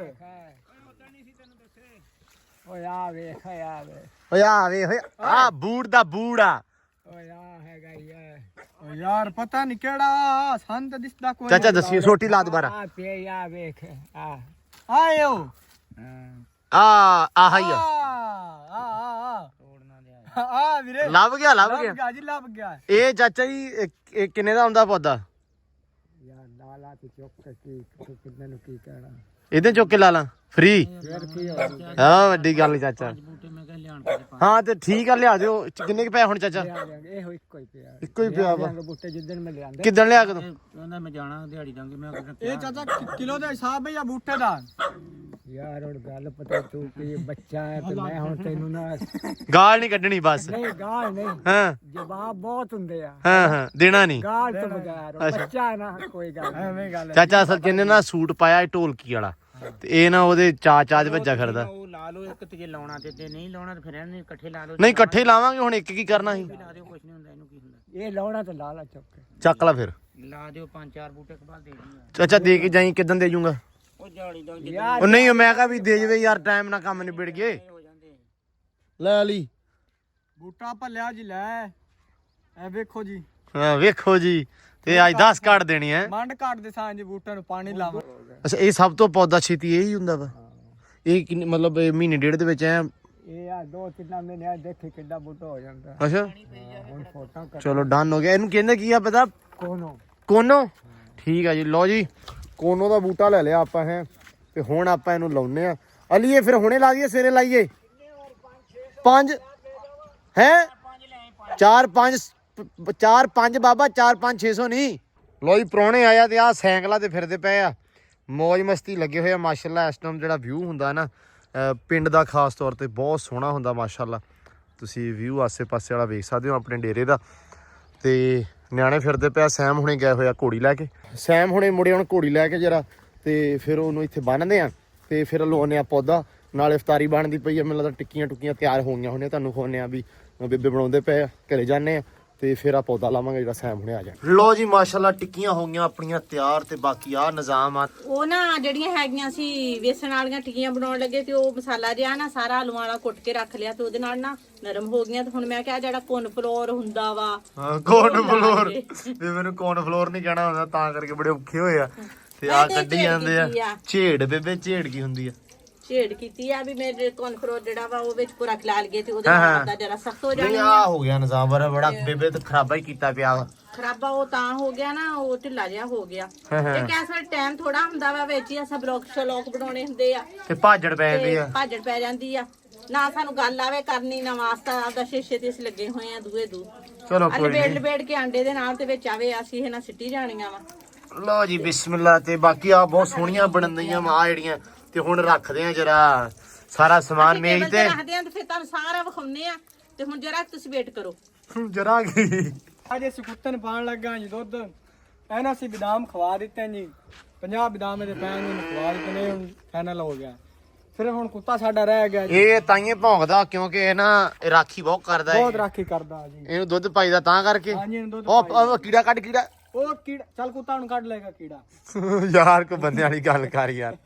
Speaker 2: ਓਏ ਆ ਵੇਖ ਆ ਵੇਖ
Speaker 1: ਓਏ ਆ ਵੇ ਹੋਏ ਆ ਬੂੜ ਦਾ ਬੂੜ ਆ
Speaker 2: ਓਏ ਆ ਹੈਗਾ ਯਾਰ ਓ ਯਾਰ ਪਤਾ ਨਹੀਂ ਕਿਹੜਾ ਸਾਨੂੰ ਤਾਂ ਦਿਸਦਾ ਕੋਈ
Speaker 1: ਚਾਚਾ ਦੱਸੀ ਸੋਟੀ ਲਾ ਦੁਬਾਰਾ
Speaker 2: ਆ ਪੇ ਆ ਵੇਖ ਆ ਆਇਓ
Speaker 1: ਆ ਆਹ ਹੀ ਆ
Speaker 2: ਆ ਆ ਤੋੜਨਾ ਲਿਆ ਆ ਵੀਰੇ
Speaker 1: ਲੱਭ ਗਿਆ ਲੱਭ
Speaker 2: ਲੱਭ
Speaker 1: ਗਿਆ
Speaker 2: ਗਿਆ ਜੀ ਲੱਭ ਗਿਆ
Speaker 1: ਇਹ ਚਾਚਾ ਜੀ ਇਹ- ਇਹ ਕਿੰਨੇ ਦਾ ਹੁੰਦਾ ਪੌਦਾ
Speaker 2: ਯਾਰ ਲਾਲਾ ਤੇ ਚੁੱਕ ਕੇ ਕੀ ਕਿੰਨੇ ਨੂੰ ਕੀ ਕਹਿਣਾ
Speaker 1: ਇਹਦੇ ਚੁੱਕ ਕੇ ਲਾ ਲਾਂ ਫ੍ਰੀ। ਹਾਂ ਵੱਡੀ ਗੱਲ ਚਾਚਾ। ਹਾਂ ਤੇ ਠੀਕ ਆ ਲਿਆ ਦਿਓ। ਕਿੰਨੇ ਕੁ ਪਏ ਹੁਣ ਚਾਚਾ?
Speaker 2: ਇਹੋ ਇੱਕੋ ਹੀ ਪਿਆ
Speaker 1: ਇੱਕੋ ਹੀ ਪਿਆ ਵਾ।
Speaker 2: ਬੂਟੇ ਜਿੱਦਣ ਮੈਂ ਲਿਆਂਦੇ
Speaker 1: ਕਿੱਦਣ ਲਿਆ ਕਦੋਂ?
Speaker 5: ਕਹਿੰਦਾ ਮੈਂ ਜਾਣਾ ਦਿਹਾੜੀ ਦਾਂਗੇ ਮੈਂ
Speaker 2: ਇਹ ਚਾਚਾ ਕਿਲੋ ਦਾ ਹਿਸਾਬ ਹੈ ਜਾਂ ਬੂਟੇ ਦਾ? ਯਾਰ ਹੁਣ ਗੱਲ ਪਤਾ ਤੂੰ ਕਿ ਬੱਚਾ ਹੈ ਤੇ ਮੈਂ ਹੁਣ ਤੈਨੂੰ ਨਾ
Speaker 1: ਗਾਲ ਨਹੀਂ ਕੱਢਣੀ ਬਸ।
Speaker 2: ਨਹੀਂ ਗਾਲ ਨਹੀਂ,
Speaker 1: ਹਾਂ
Speaker 2: ਜਵਾਬ ਬਹੁਤ ਹੁੰਦੇ ਆ।
Speaker 1: ਹਾਂ ਹਾਂ ਦੇਣਾ ਨਹੀਂ
Speaker 2: ਗਾਲ ਤੋਂ ਬਗੈਰ ਬੱਚਾ ਹੈ ਨਾ, ਕੋਈ ਗੱਲ ਐਵੇਂ ਗੱਲ
Speaker 1: ਚਾਚਾ। ਅਸਲ ਚ ਇਹਨੇ ਨਾ ਸੂਟ ਪਾਇਆ ਇਹ ਢੋਲਕੀ ਵਾਲਾ ਤੇ ਇਹ ਨਾ ਉਹਦੇ ਚਾ ਚਾ ਚ ਵੱਜਾ ਫਿਰਦਾ।
Speaker 5: ਉਹ ਲਾ ਲਓ ਇੱਕ ਤੇ ਜੇ ਲਾਉਣਾ ਤੇ ਤੇ ਨਹੀਂ ਲਾਉਣਾ ਤੇ ਫਿਰ ਇਹਨੇ ਇਕੱਠੇ ਲਾ ਲਓ।
Speaker 1: ਨਹੀਂ ਇਕੱਠੇ ਲਾਵਾਂਗੇ ਹੁਣ ਇੱਕ ਕੀ ਕਰਨਾ ਸੀ।
Speaker 5: ਲਾ ਦਿਓ ਕੁਛ ਨਹੀਂ ਹੁੰਦਾ ਇਹਨੂੰ ਕੀ ਹੁੰਦਾ।
Speaker 2: ਇਹ ਲਾਉਣਾ ਤੇ ਲਾ ਲਾ ਚੁੱਕ ਕੇ
Speaker 1: ਚੱਕ ਲਾ ਫਿਰ
Speaker 5: ਲਾ ਦਿਓ ਪੰਜ ਚਾਰ ਬੂਟੇ ਕਬਾਲ ਦੇ ਦਿਓ।
Speaker 1: ਚਾਚਾ ਦੇ ਕੇ ਜਾਈ ਕਿਦਾਂ ਦੇ ਜੂੰਗਾ?
Speaker 5: ਉਹ ਦਿਹਾੜੀ ਦਾ
Speaker 2: ਯਾਰ।
Speaker 1: ਉਹ ਨਹੀਂ ਮੈਂ ਕਿਹਾ ਵੀ ਦੇ ਜਵੇ ਯਾਰ ਟਾਈਮ ਨਾਲ ਕੰਮ ਨਿਬੜ ਗਏ।
Speaker 5: ਹੋ ਜਾਂਦੇ
Speaker 1: ਲੈ ਲਈ
Speaker 2: ਬੂਟਾ ਭੱਲਿਆ ਜੀ ਲੈ ਐ ਵੇਖੋ ਜੀ।
Speaker 1: ਹਾਂ ਵੇਖੋ ਜੀ ਤੇ ਅੱਜ ਦਸ ਕੱਢ ਦੇਣੀ ਹੈ।
Speaker 2: ਮੰਡ ਕੱਟ ਦੇ ਸਾਂ ਜੀ ਬੂਟਿਆਂ ਨੂੰ ਪਾਣੀ ਲਾਵਾਂ।
Speaker 1: ਅੱਛਾ ਇਹ ਸਭ ਤੋਂ ਪੌਦਾ ਛੇਤੀ ਇਹੀ ਹੁੰਦਾ ਵਾ। ਇਹ ਕਿੰਨੇ ਮਤਲਬ ਇਹ ਮਹੀਨੇ ਡੇਢ ਦੇ ਵਿੱਚ ਐ?
Speaker 2: ਇਹ ਆ ਦੋ ਤਿੰਨ ਮਹੀਨੇ ਆ ਦੇਖੇ ਕਿੱਡਾ ਬੂਟਾ ਹੋ ਜਾਂਦਾ।
Speaker 1: ਅੱਛਾ
Speaker 2: ਹੁਣ ਫੋਟੋ ਕਰ
Speaker 1: ਚਲੋ ਡਨ ਹੋ ਗਿਆ। ਇਹਨੂੰ ਕਹਿੰਦੇ ਕੀ ਆ ਪਤਾ?
Speaker 2: ਕੋਨੋ
Speaker 1: ਕੋਨੋ। ਠੀਕ ਆ ਜੀ ਲਓ ਜੀ ਕੋਨੋ ਦਾ ਬੂਟਾ ਲੈ ਲਿਆ ਆਪਾਂ ਹੈ ਤੇ ਹੁਣ ਆਪਾਂ ਇਹਨੂੰ ਲਾਉਨੇ ਆ। ਅਲੀਏ ਫਿਰ ਹੁਣੇ ਲਾ ਦਈਏ ਸਵੇਰੇ ਲਾਈਏ? ਪੰਜ ਹੈ ਚਾਰ ਪੰਜ ਚਾਰ ਪੰਜ ਬਾਬਾ ਚਾਰ ਪੰਜ ਛੇ ਸੌ ਨਹੀਂ। ਲੋ ਜੀ ਪ੍ਰਾਹੁਣੇ ਆਇਆ ਤੇ ਆਹ ਸਾਈਕਲਾਂ ਤੇ ਫਿਰਦੇ ਪਏ ਆ ਮੌਜ ਮਸਤੀ ਲੱਗੇ ਹੋਏ ਆ ਮਾਸ਼ਾਅੱਲਾ। ਇਸ ਟਾਈਮ ਜਿਹੜਾ ਵਿਊ ਹੁੰਦਾ ਨਾ ਪਿੰਡ ਦਾ ਖਾਸ ਤੌਰ ਤੇ ਬਹੁਤ ਸੋਹਣਾ ਹੁੰਦਾ ਮਾਸ਼ਾਅੱਲਾ। ਤੁਸੀਂ ਵਿਊ ਆਸੇ ਪਾਸੇ ਵਾਲਾ ਵੇਖ ਸਕਦੇ ਹੋ ਆਪਣੇ ਡੇਰੇ ਦਾ। ਤੇ ਨਿਆਣੇ ਫਿਰਦੇ ਪਿਆ। ਸੈਮ ਹੁਣੇ ਗਏ ਹੋਇਆ ਘੋੜੀ ਲੈ ਕੇ। ਸੈਮ ਹੁਣੇ ਮੁੜੇ ਹੁਣ ਘੋੜੀ ਲੈ ਕੇ ਜਰਾ ਤੇ ਫਿਰ ਉਹਨੂੰ ਇੱਥੇ ਬੰਨ੍ਹਦੇ ਆ ਤੇ ਫਿਰ ਲਵਾਉਂਦੇ ਆ ਪੌਦਾ। ਨਾਲ ਇਫਤਾਰੀ ਬਣਦੀ ਪਈ ਆ। ਮੈਨੂੰ ਲੱਗਦਾ ਟਿੱਕੀਆਂ ਟੁੱਕੀਆਂ ਤਿਆਰ ਹੋ ਗਈਆਂ ਹੋਣੀਆਂ। ਤੁਹਾਨੂੰ ਖਵਾਉਂਦੇ ਆ ਵੀ ਬੇਬੇ ਬਣਾਉਂਦੇ ਪਏ ਆ। ਘਰੇ ਜਾਂਦੇ ਆ ਤੇ ਫਿਰ ਆ ਪੌਦਾ ਲਾਵਾਂਗੇ ਜਿਹੜਾ ਸੈਮ ਹੁਣੇ ਆ ਜਾ। ਲੋ ਜੀ ਮਾਸ਼ਾਅੱਲਾ ਟਿੱਕੀਆਂ ਹੋ ਗਈਆਂ ਆਪਣੀਆਂ ਤਿਆਰ ਤੇ ਬਾਕੀ ਆ ਨਿਜ਼ਾਮ ਆ।
Speaker 3: ਉਹ ਨਾ ਜਿਹੜੀਆਂ ਹੈਗੀਆਂ ਸੀ ਵੇਸਣ ਵਾਲੀਆਂ ਟਿੱਕੀਆਂ ਬਣਾਉਣ ਲੱਗੇ ਤੇ ਉਹ ਮਸਾਲਾ ਜਿਹਾ ਨਾ ਸਾਰਾ ਆਲੂਆਂ ਵਾਲਾ ਕੁੱਟ ਕੇ ਰੱਖ ਲਿਆ ਤੇ ਉਹਦੇ ਨਾਲ ਨਾ ਨਰਮ ਹੋ ਗਈਆਂ। ਤੇ ਹੁਣ ਮੈਂ ਕਿਹਾ ਜਿਹੜਾ ਕੋਨ ਫਲੋਰ ਹੁੰਦਾ ਵਾ
Speaker 1: ਹਾਂ ਕੋਨ ਫਲੋਰ ਵੀ ਮੈਨੂੰ ਕੋਨ ਫਲੋਰ ਨਹੀਂ ਕਹਿਣਾ ਹੁੰਦਾ ਤਾਂ ਕਰਕੇ ਬੜੇ ਔਖੇ ਹੋਏ ਆ ਤੇ ਆ ਕੱਢੀ ਜਾਂਦੇ ਆ। ਝੇੜ ਬੇਬੇ ਝੇੜ ਕੀ ਹੁੰਦੀ ਆ?
Speaker 3: ਝੇੜ ਕੀਤੀ ਆ ਵੀ ਮੇਰੇ ਕੋਨ ਫਲੋਰ ਜਿਹੜਾ ਵਾ ਉਹ ਵਿੱਚ ਪੂਰਾ ਖਿਲਾ ਲਈਏ ਤੇ ਉਹਦੇ ਨਾਲ ਦਾ ਜਰਾ ਸਖਤ ਹੋ
Speaker 1: ਨਹੀਂ
Speaker 3: ਜਾਣਾ।
Speaker 1: ਆ ਹੋ ਗਿਆ ਨਿਜ਼ਾਮ ਬੜਾ ਬੜਾ ਬੇਬੇ ਤੇ ਖਰਾਬਾ ਹੀ ਕੀਤਾ ਪਿਆ ਵਾ।
Speaker 3: ਖਰਾਬਾ ਉਹ ਤਾਂ ਹੋ ਗਿਆ ਨਾ ਉਹ ਢਿੱਲਾ ਜਿਹਾ ਹੋ ਗਿਆ। ਇਹ ਕੈਸਾ ਟਾਈਮ ਥੋੜਾ ਹੁੰਦਾ ਵਾ ਵਿੱਚ ਹੀ ਅਸਾਂ ਬਲੌਕ ਸ਼ਲੋਕ ਬਣਾਉਣੇ ਹੁੰਦੇ ਆ
Speaker 1: ਤੇ ਭਾਜੜ ਪੈ ਜਾਂਦੀ ਆ।
Speaker 3: ਭਾਜੜ ਪੈ ਜਾਂਦੀ ਆ ਨਾ ਸਾਨੂੰ ਗੱਲ ਆਵੇ ਕਰਨੀ ਨਾ ਵਾਸਤਾ ਆਪਦਾ ਸ਼ੀਸ਼ੇ ਤੇ ਅਸੀਂ ਲੱਗੇ ਹੋਏ ਆ ਦੂਏ ਦੂ।
Speaker 1: ਚਲੋ
Speaker 3: ਕੋਈ ਲਪੇੜ ਲਪੇੜ ਕੇ ਆਂਡੇ ਦੇ ਨਾਲ ਤੇ ਵਿੱਚ ਆਵੇ ਅਸੀਂ ਇਹ ਨਾ ਸਿੱਟੀ ਜਾਣੀਆਂ ਵਾ।
Speaker 1: ਲਓ ਜੀ ਬਿਸਮਿਲ੍ਲਾ। ਤੇ ਬਾਕੀ ਆ ਬਹੁਤ ਸੋਹਣੀਆਂ ਬਣਨ ਦਈਆਂ ਆ ਜਿਹੜੀਆਂ ਤੇ ਹੁਣ ਰੱਖਦੇ ਆ ਜਰਾ ਸਾਰਾ ਸਮਾਨ ਮੇਜ਼ ਤੇ
Speaker 3: ਰੱਖਦੇ ਆ ਤੇ ਫਿਰ ਤੁਹਾਨੂੰ ਸਾਰਾ ਵਿਖਾਉਨੇ ਆ ਤੇ ਹੁਣ ਜਰਾ ਤੁਸੀਂ ਵੇਟ ਕਰੋ
Speaker 1: ਜਰਾ ਕੀ
Speaker 2: ਅੱਜ ਅਸੀਂ ਕੁੱਤਨ ਪਾਣ ਲੱਗਾ ਜੀ ਦੁੱਧ। ਇਹਨਾਂ ਅਸੀਂ ਬਦਾਮ ਖਵਾ ਦਿੱਤੇ ਜੀ। ਪੰਜਾਹ ਬਦਾਮ ਇਹਦੇ ਪੈਣ ਨੂੰ ਖਵਾ ਦਿੱਤੇ ਨੇ। ਹੁਣ ਫਾਈਨਲ ਹੋ ਗਿਆ। ਫਿਰ ਹੁਣ ਕੁੱਤਾ ਸਾਡਾ ਰਹਿ ਗਿਆ ਜੀ।
Speaker 1: ਇਹ ਤਾਈਏ ਭੌਂਕਦਾ ਕਿਉਂਕਿ ਇਹ ਨਾ ਇਹ ਰਾਖੀ ਬਹੁਤ ਕਰਦਾ ਹੈ।
Speaker 2: ਬਹੁਤ ਰਾਖੀ ਕਰਦਾ ਜੀ।
Speaker 1: ਇਹਨੂੰ ਦੁੱਧ ਪਾਈਦਾ ਤਾਂ ਕਰਕੇ।
Speaker 2: ਹਾਂਜੀ ਇਹਨੂੰ ਦੁੱਧ
Speaker 1: ਉਹ ਉਹ ਕੀੜਾ ਕੱਢ ਕੀੜਾ।
Speaker 2: ਉਹ ਕੀੜਾ ਚੱਲ ਕੁੱਤਾ ਨੂੰ ਕੱਢ ਲਏਗਾ ਕੀੜਾ।
Speaker 1: ਯਾਰ ਕੋ ਬੰਦੇ ਵਾਲੀ ਗੱਲ ਕਰ ਯਾਰ।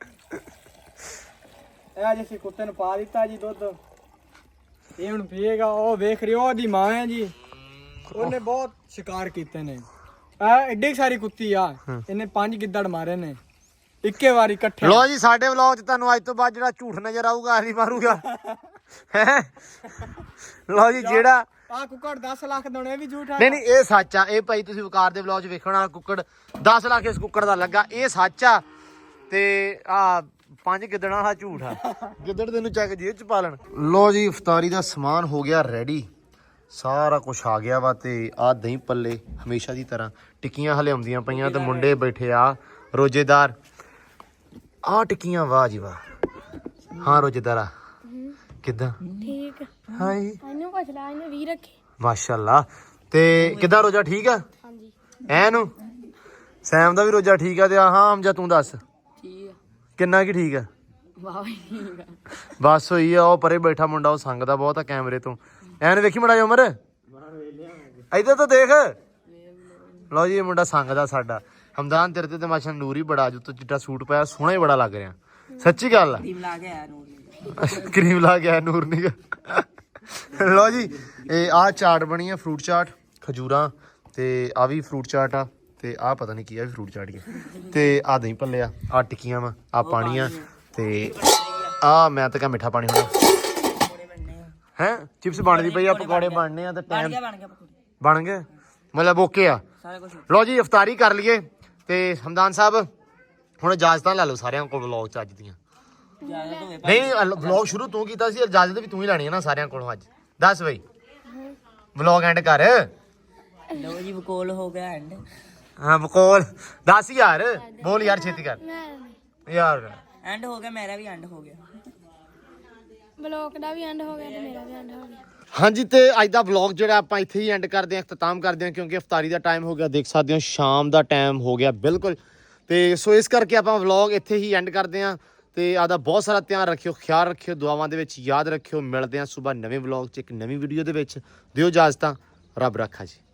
Speaker 2: ਇਹ ਅੱਜ ਅਸੀਂ ਕੁੱਤੇ ਨੂੰ ਪਾ ਦਿੱਤਾ ਜੀ ਦੁੱਧ। ਇਹ ਹੁਣ ਪੀਏਗਾ। ਉਹ ਵੇਖ ਰਹੇ ਹੋ ਉਹਦੀ ਮਾਂ ਹੈ ਜੀ। ਉਹਨੇ ਬਹੁਤ ਸ਼ਿਕਾਰ ਕੀਤੇ ਨੇ। ਇਹ ਐਡੀ ਸਾਰੀ ਕੁੱਤੀ ਆ। ਇਹਨੇ ਪੰਜ ਗਿੱਦੜ ਮਾਰੇ ਨੇ ਇੱਕੇ ਵਾਰੀ ਇਕੱਠੇ।
Speaker 1: ਲੋ ਜੀ ਸਾਡੇ ਵਲੌਗ 'ਚ ਤੁਹਾਨੂੰ ਅੱਜ ਤੋਂ ਬਾਅਦ ਜਿਹੜਾ ਝੂਠ ਨਜ਼ਰ ਆਊਗਾ ਅਸੀਂ ਮਾਰੂਗਾ ਹੈ। ਲੋ ਜੀ ਜਿਹੜਾ
Speaker 2: ਆ ਕੁੱਕੜ ਦਸ ਲੱਖ ਦਾ ਇਹ ਵੀ ਝੂਠ ਆ।
Speaker 1: ਨਹੀਂ ਨਹੀਂ ਇਹ ਸੱਚ ਆ। ਇਹ ਭਾਈ ਤੁਸੀਂ ਵਕਾਰ ਦੇ ਵਲੌਗ 'ਚ ਵੇਖਣਾ ਕੁੱਕੜ ਦਸ ਲੱਖ ਇਸ ਕੁੱਕੜ ਦਾ ਲੱਗਾ। ਇਹ ਸੱਚ ਆ ਤੇ ਆ ਪੰਜ ਗਿੱਦੜਾਂ ਦਾ ਝੂਠ ਆ। ਗਿੱਦੜ ਤੈਨੂੰ ਚੱਕ ਜੇਬ 'ਚ ਪਾ ਲੈਣ। ਲੋ ਜੀ ਇਫਤਾਰੀ ਦਾ ਸਮਾਨ ਹੋ ਗਿਆ ਰੈਡੀ। ਸਾਰਾ ਕੁਝ ਆ ਗਿਆ ਵਾ ਤੇ ਆ ਦਹੀਂ ਪੱਲੇ ਹਮੇਸ਼ਾ ਦੀ ਤਰ੍ਹਾਂ ਟਿੱਕੀਆਂ ਹਲੇ ਆਉਂਦੀਆਂ ਪਈਆਂ ਤੇ ਮੁੰਡੇ ਬੈਠੇ ਆ ਰੋਜੇਦਾਰ। ਆ ਟਿੱਕੀਆਂ ਵਾਹ ਜੀ ਵਾਹ। ਹਾਂ ਰੋਜੇਦਾਰਾ ਕਿੱਦਾਂ?
Speaker 4: ਠੀਕ
Speaker 1: ਹਾਈ
Speaker 4: ਇਹਨੂੰ ਪੁੱਛ ਲੈ ਇਹਨੇ ਵੀ ਰੱਖੇ।
Speaker 1: ਮਾਸ਼ਾਅੱਲਾ। ਤੇ ਕਿੱਦਾਂ ਰੋਜਾ ਠੀਕ ਆ?
Speaker 4: ਹਾਂਜੀ
Speaker 1: ਐਨੂੰ ਸੈਮ ਦਾ ਵੀ ਰੋਜਾ ਠੀਕ ਆ ਤੇ ਆ ਹਾਂ ਹਮਜਾ ਤੂੰ ਦੱਸ
Speaker 5: ਠੀਕ ਆ
Speaker 1: ਕਿੰਨਾ ਕੀ ਠੀਕ ਆ?
Speaker 5: ਵਾਹ ਠੀਕ ਆ।
Speaker 1: ਬਸ ਹੋਈ ਆ। ਉਹ ਪਰੇ ਬੈਠਾ ਮੁੰਡਾ ਉਹ ਸੰਗਦਾ ਬਹੁਤ ਆ ਕੈਮਰੇ ਤੋਂ। ਐਨ ਵੇਖੀ ਮੜਾ ਉਮਰ ਇੱਧਰ ਤਾਂ ਦੇਖ। ਲਓ ਜੀ ਇਹ ਮੁੰਡਾ ਸੰਗਦਾ ਸਾਡਾ। ਹਮਦਾਨ ਤੇਰੇ ਤੇ ਮਾਸ਼ਾ ਨੂਰ ਹੀ ਬੜਾ ਅੱਜ ਤੂੰ ਚਿੱਟਾ ਸੂਟ ਪਾਇਆ ਸੋਹਣਾ ਹੀ ਬੜਾ ਲੱਗ ਰਿਹਾ। ਸੱਚੀ ਗੱਲ ਆ।
Speaker 5: ਕਰੀਮ ਲਾ ਕੇ ਆਇਆ ਨੂਰ
Speaker 1: ਕਰੀਮ ਲਾ ਕੇ ਆਇਆ ਨੂਰ ਨੀ। ਲਓ ਜੀ ਇਹ ਆਹ ਚਾਟ ਬਣੀ ਆ ਫਰੂਟ ਚਾਟ ਖਜੂਰਾਂ ਤੇ ਆ ਵੀ ਫਰੂਟ ਚਾਟ ਆ ਤੇ ਆਹ ਪਤਾ ਨਹੀਂ ਕੀ ਆ ਵੀ ਫਰੂਟ ਚਾਟ ਹੀ ਤੇ ਆ ਦਹੀਂ ਭੱਲੇ ਆ ਆ ਟਿੱਕੀਆਂ ਵਾ ਆ ਪਾਣੀ ਆ ਤੇ ਆ ਮੈਂ ਤਾਂ ਕਹ ਮਿੱਠਾ ਪਾਣੀ ਹੋਣਾ ਹੈ। ਚਿਪਸ ਬਣਦੀ ਪਈ ਆ ਪਕੌੜੇ ਬਣਨੇ ਆ ਤੇ ਟਾਈਮ ਬਣ ਗਏ ਮਤਲਬ ਓਕੇ ਆ। ਲਓ ਜੀ ਇਫਤਾਰੀ ਕਰ ਲਈਏ ਤੇ ਹਮਦਾਨ ਸਾਹਿਬ ਹੁਣ ਇਜਾਜ਼ਤਾਂ ਲੈ ਲਓ ਸਾਰਿਆਂ ਕੋਲ ਵਲੌਗ ਚ ਅੱਜ ਦੀਆਂ। ਨਹੀਂ ਵਲੌਗ ਸ਼ੁਰੂ ਤੂੰ ਕੀਤਾ ਸੀ, ਇਜਾਜ਼ਤ ਵੀ ਤੂੰ ਹੀ ਲੈਣੀ ਹੈ ਨਾ ਸਾਰਿਆਂ ਕੋਲੋਂ ਅੱਜ। ਦੱਸ ਬਈ ਵਲੌਗ ਐਂਡ ਕਰ।
Speaker 5: ਲੋ ਜੀ ਬਕੋਲ ਹੋ ਗਿਆ ਐਂਡ।
Speaker 1: ਹਾਂ ਬਕੋਲ ਦੱਸ ਯਾਰ, ਬੋਲ ਯਾਰ ਛੇਤੀ ਕਰ ਯਾਰ।
Speaker 5: ਐਂਡ ਹੋ ਗਿਆ, ਮੇਰਾ ਵੀ ਐਂਡ ਹੋ ਗਿਆ,
Speaker 4: ਬਲੌਗ ਦਾ ਵੀ ਐਂਡ ਹੋ ਗਿਆ ਤੇ ਮੇਰਾ ਵੀ ਐਂਡ ਹੋ ਗਿਆ।
Speaker 1: ਹਾਂਜੀ ਤੇ ਅੱਜ ਦਾ ਵਲੌਗ ਜਿਹੜਾ ਆਪਾਂ ਇੱਥੇ ਹੀ ਐਂਡ ਕਰਦੇ ਹਾਂ, ਇਖਤਤਾਮ ਕਰਦੇ ਹਾਂ, ਕਿਉਂਕਿ ਇਫਤਾਰੀ ਦਾ ਟਾਈਮ ਹੋ ਗਿਆ, ਦੇਖ ਸਕਦੇ ਹੋ ਸ਼ਾਮ ਦਾ ਟਾਈਮ ਹੋ ਗਿਆ ਬਿਲਕੁਲ। ਤੇ ਸੋ ਇਸ ਕਰਕੇ ਆਪਾਂ ਵਲੌਗ ਇੱਥੇ ਹੀ ਐਂਡ ਕਰਦੇ ਹਾਂ। ਤੇ ਆਦਾ ਬਹੁਤ ਸਾਰਾ ਧਿਆਨ ਰੱਖਿਓ, ਖਿਆਲ ਰੱਖਿਓ, ਦੁਆਵਾਂ ਦੇ ਵਿੱਚ ਯਾਦ ਰੱਖਿਓ। ਮਿਲਦੇ ਹਾਂ ਸਵੇਰ ਨਵੇਂ ਵਲੌਗ 'ਚ ਇੱਕ ਨਵੀਂ ਵੀਡੀਓ ਦੇ ਵਿੱਚ। ਦਿਓ ਇਜਾਜ਼ਤਾਂ, ਰੱਬ ਰੱਖਾ ਜੀ।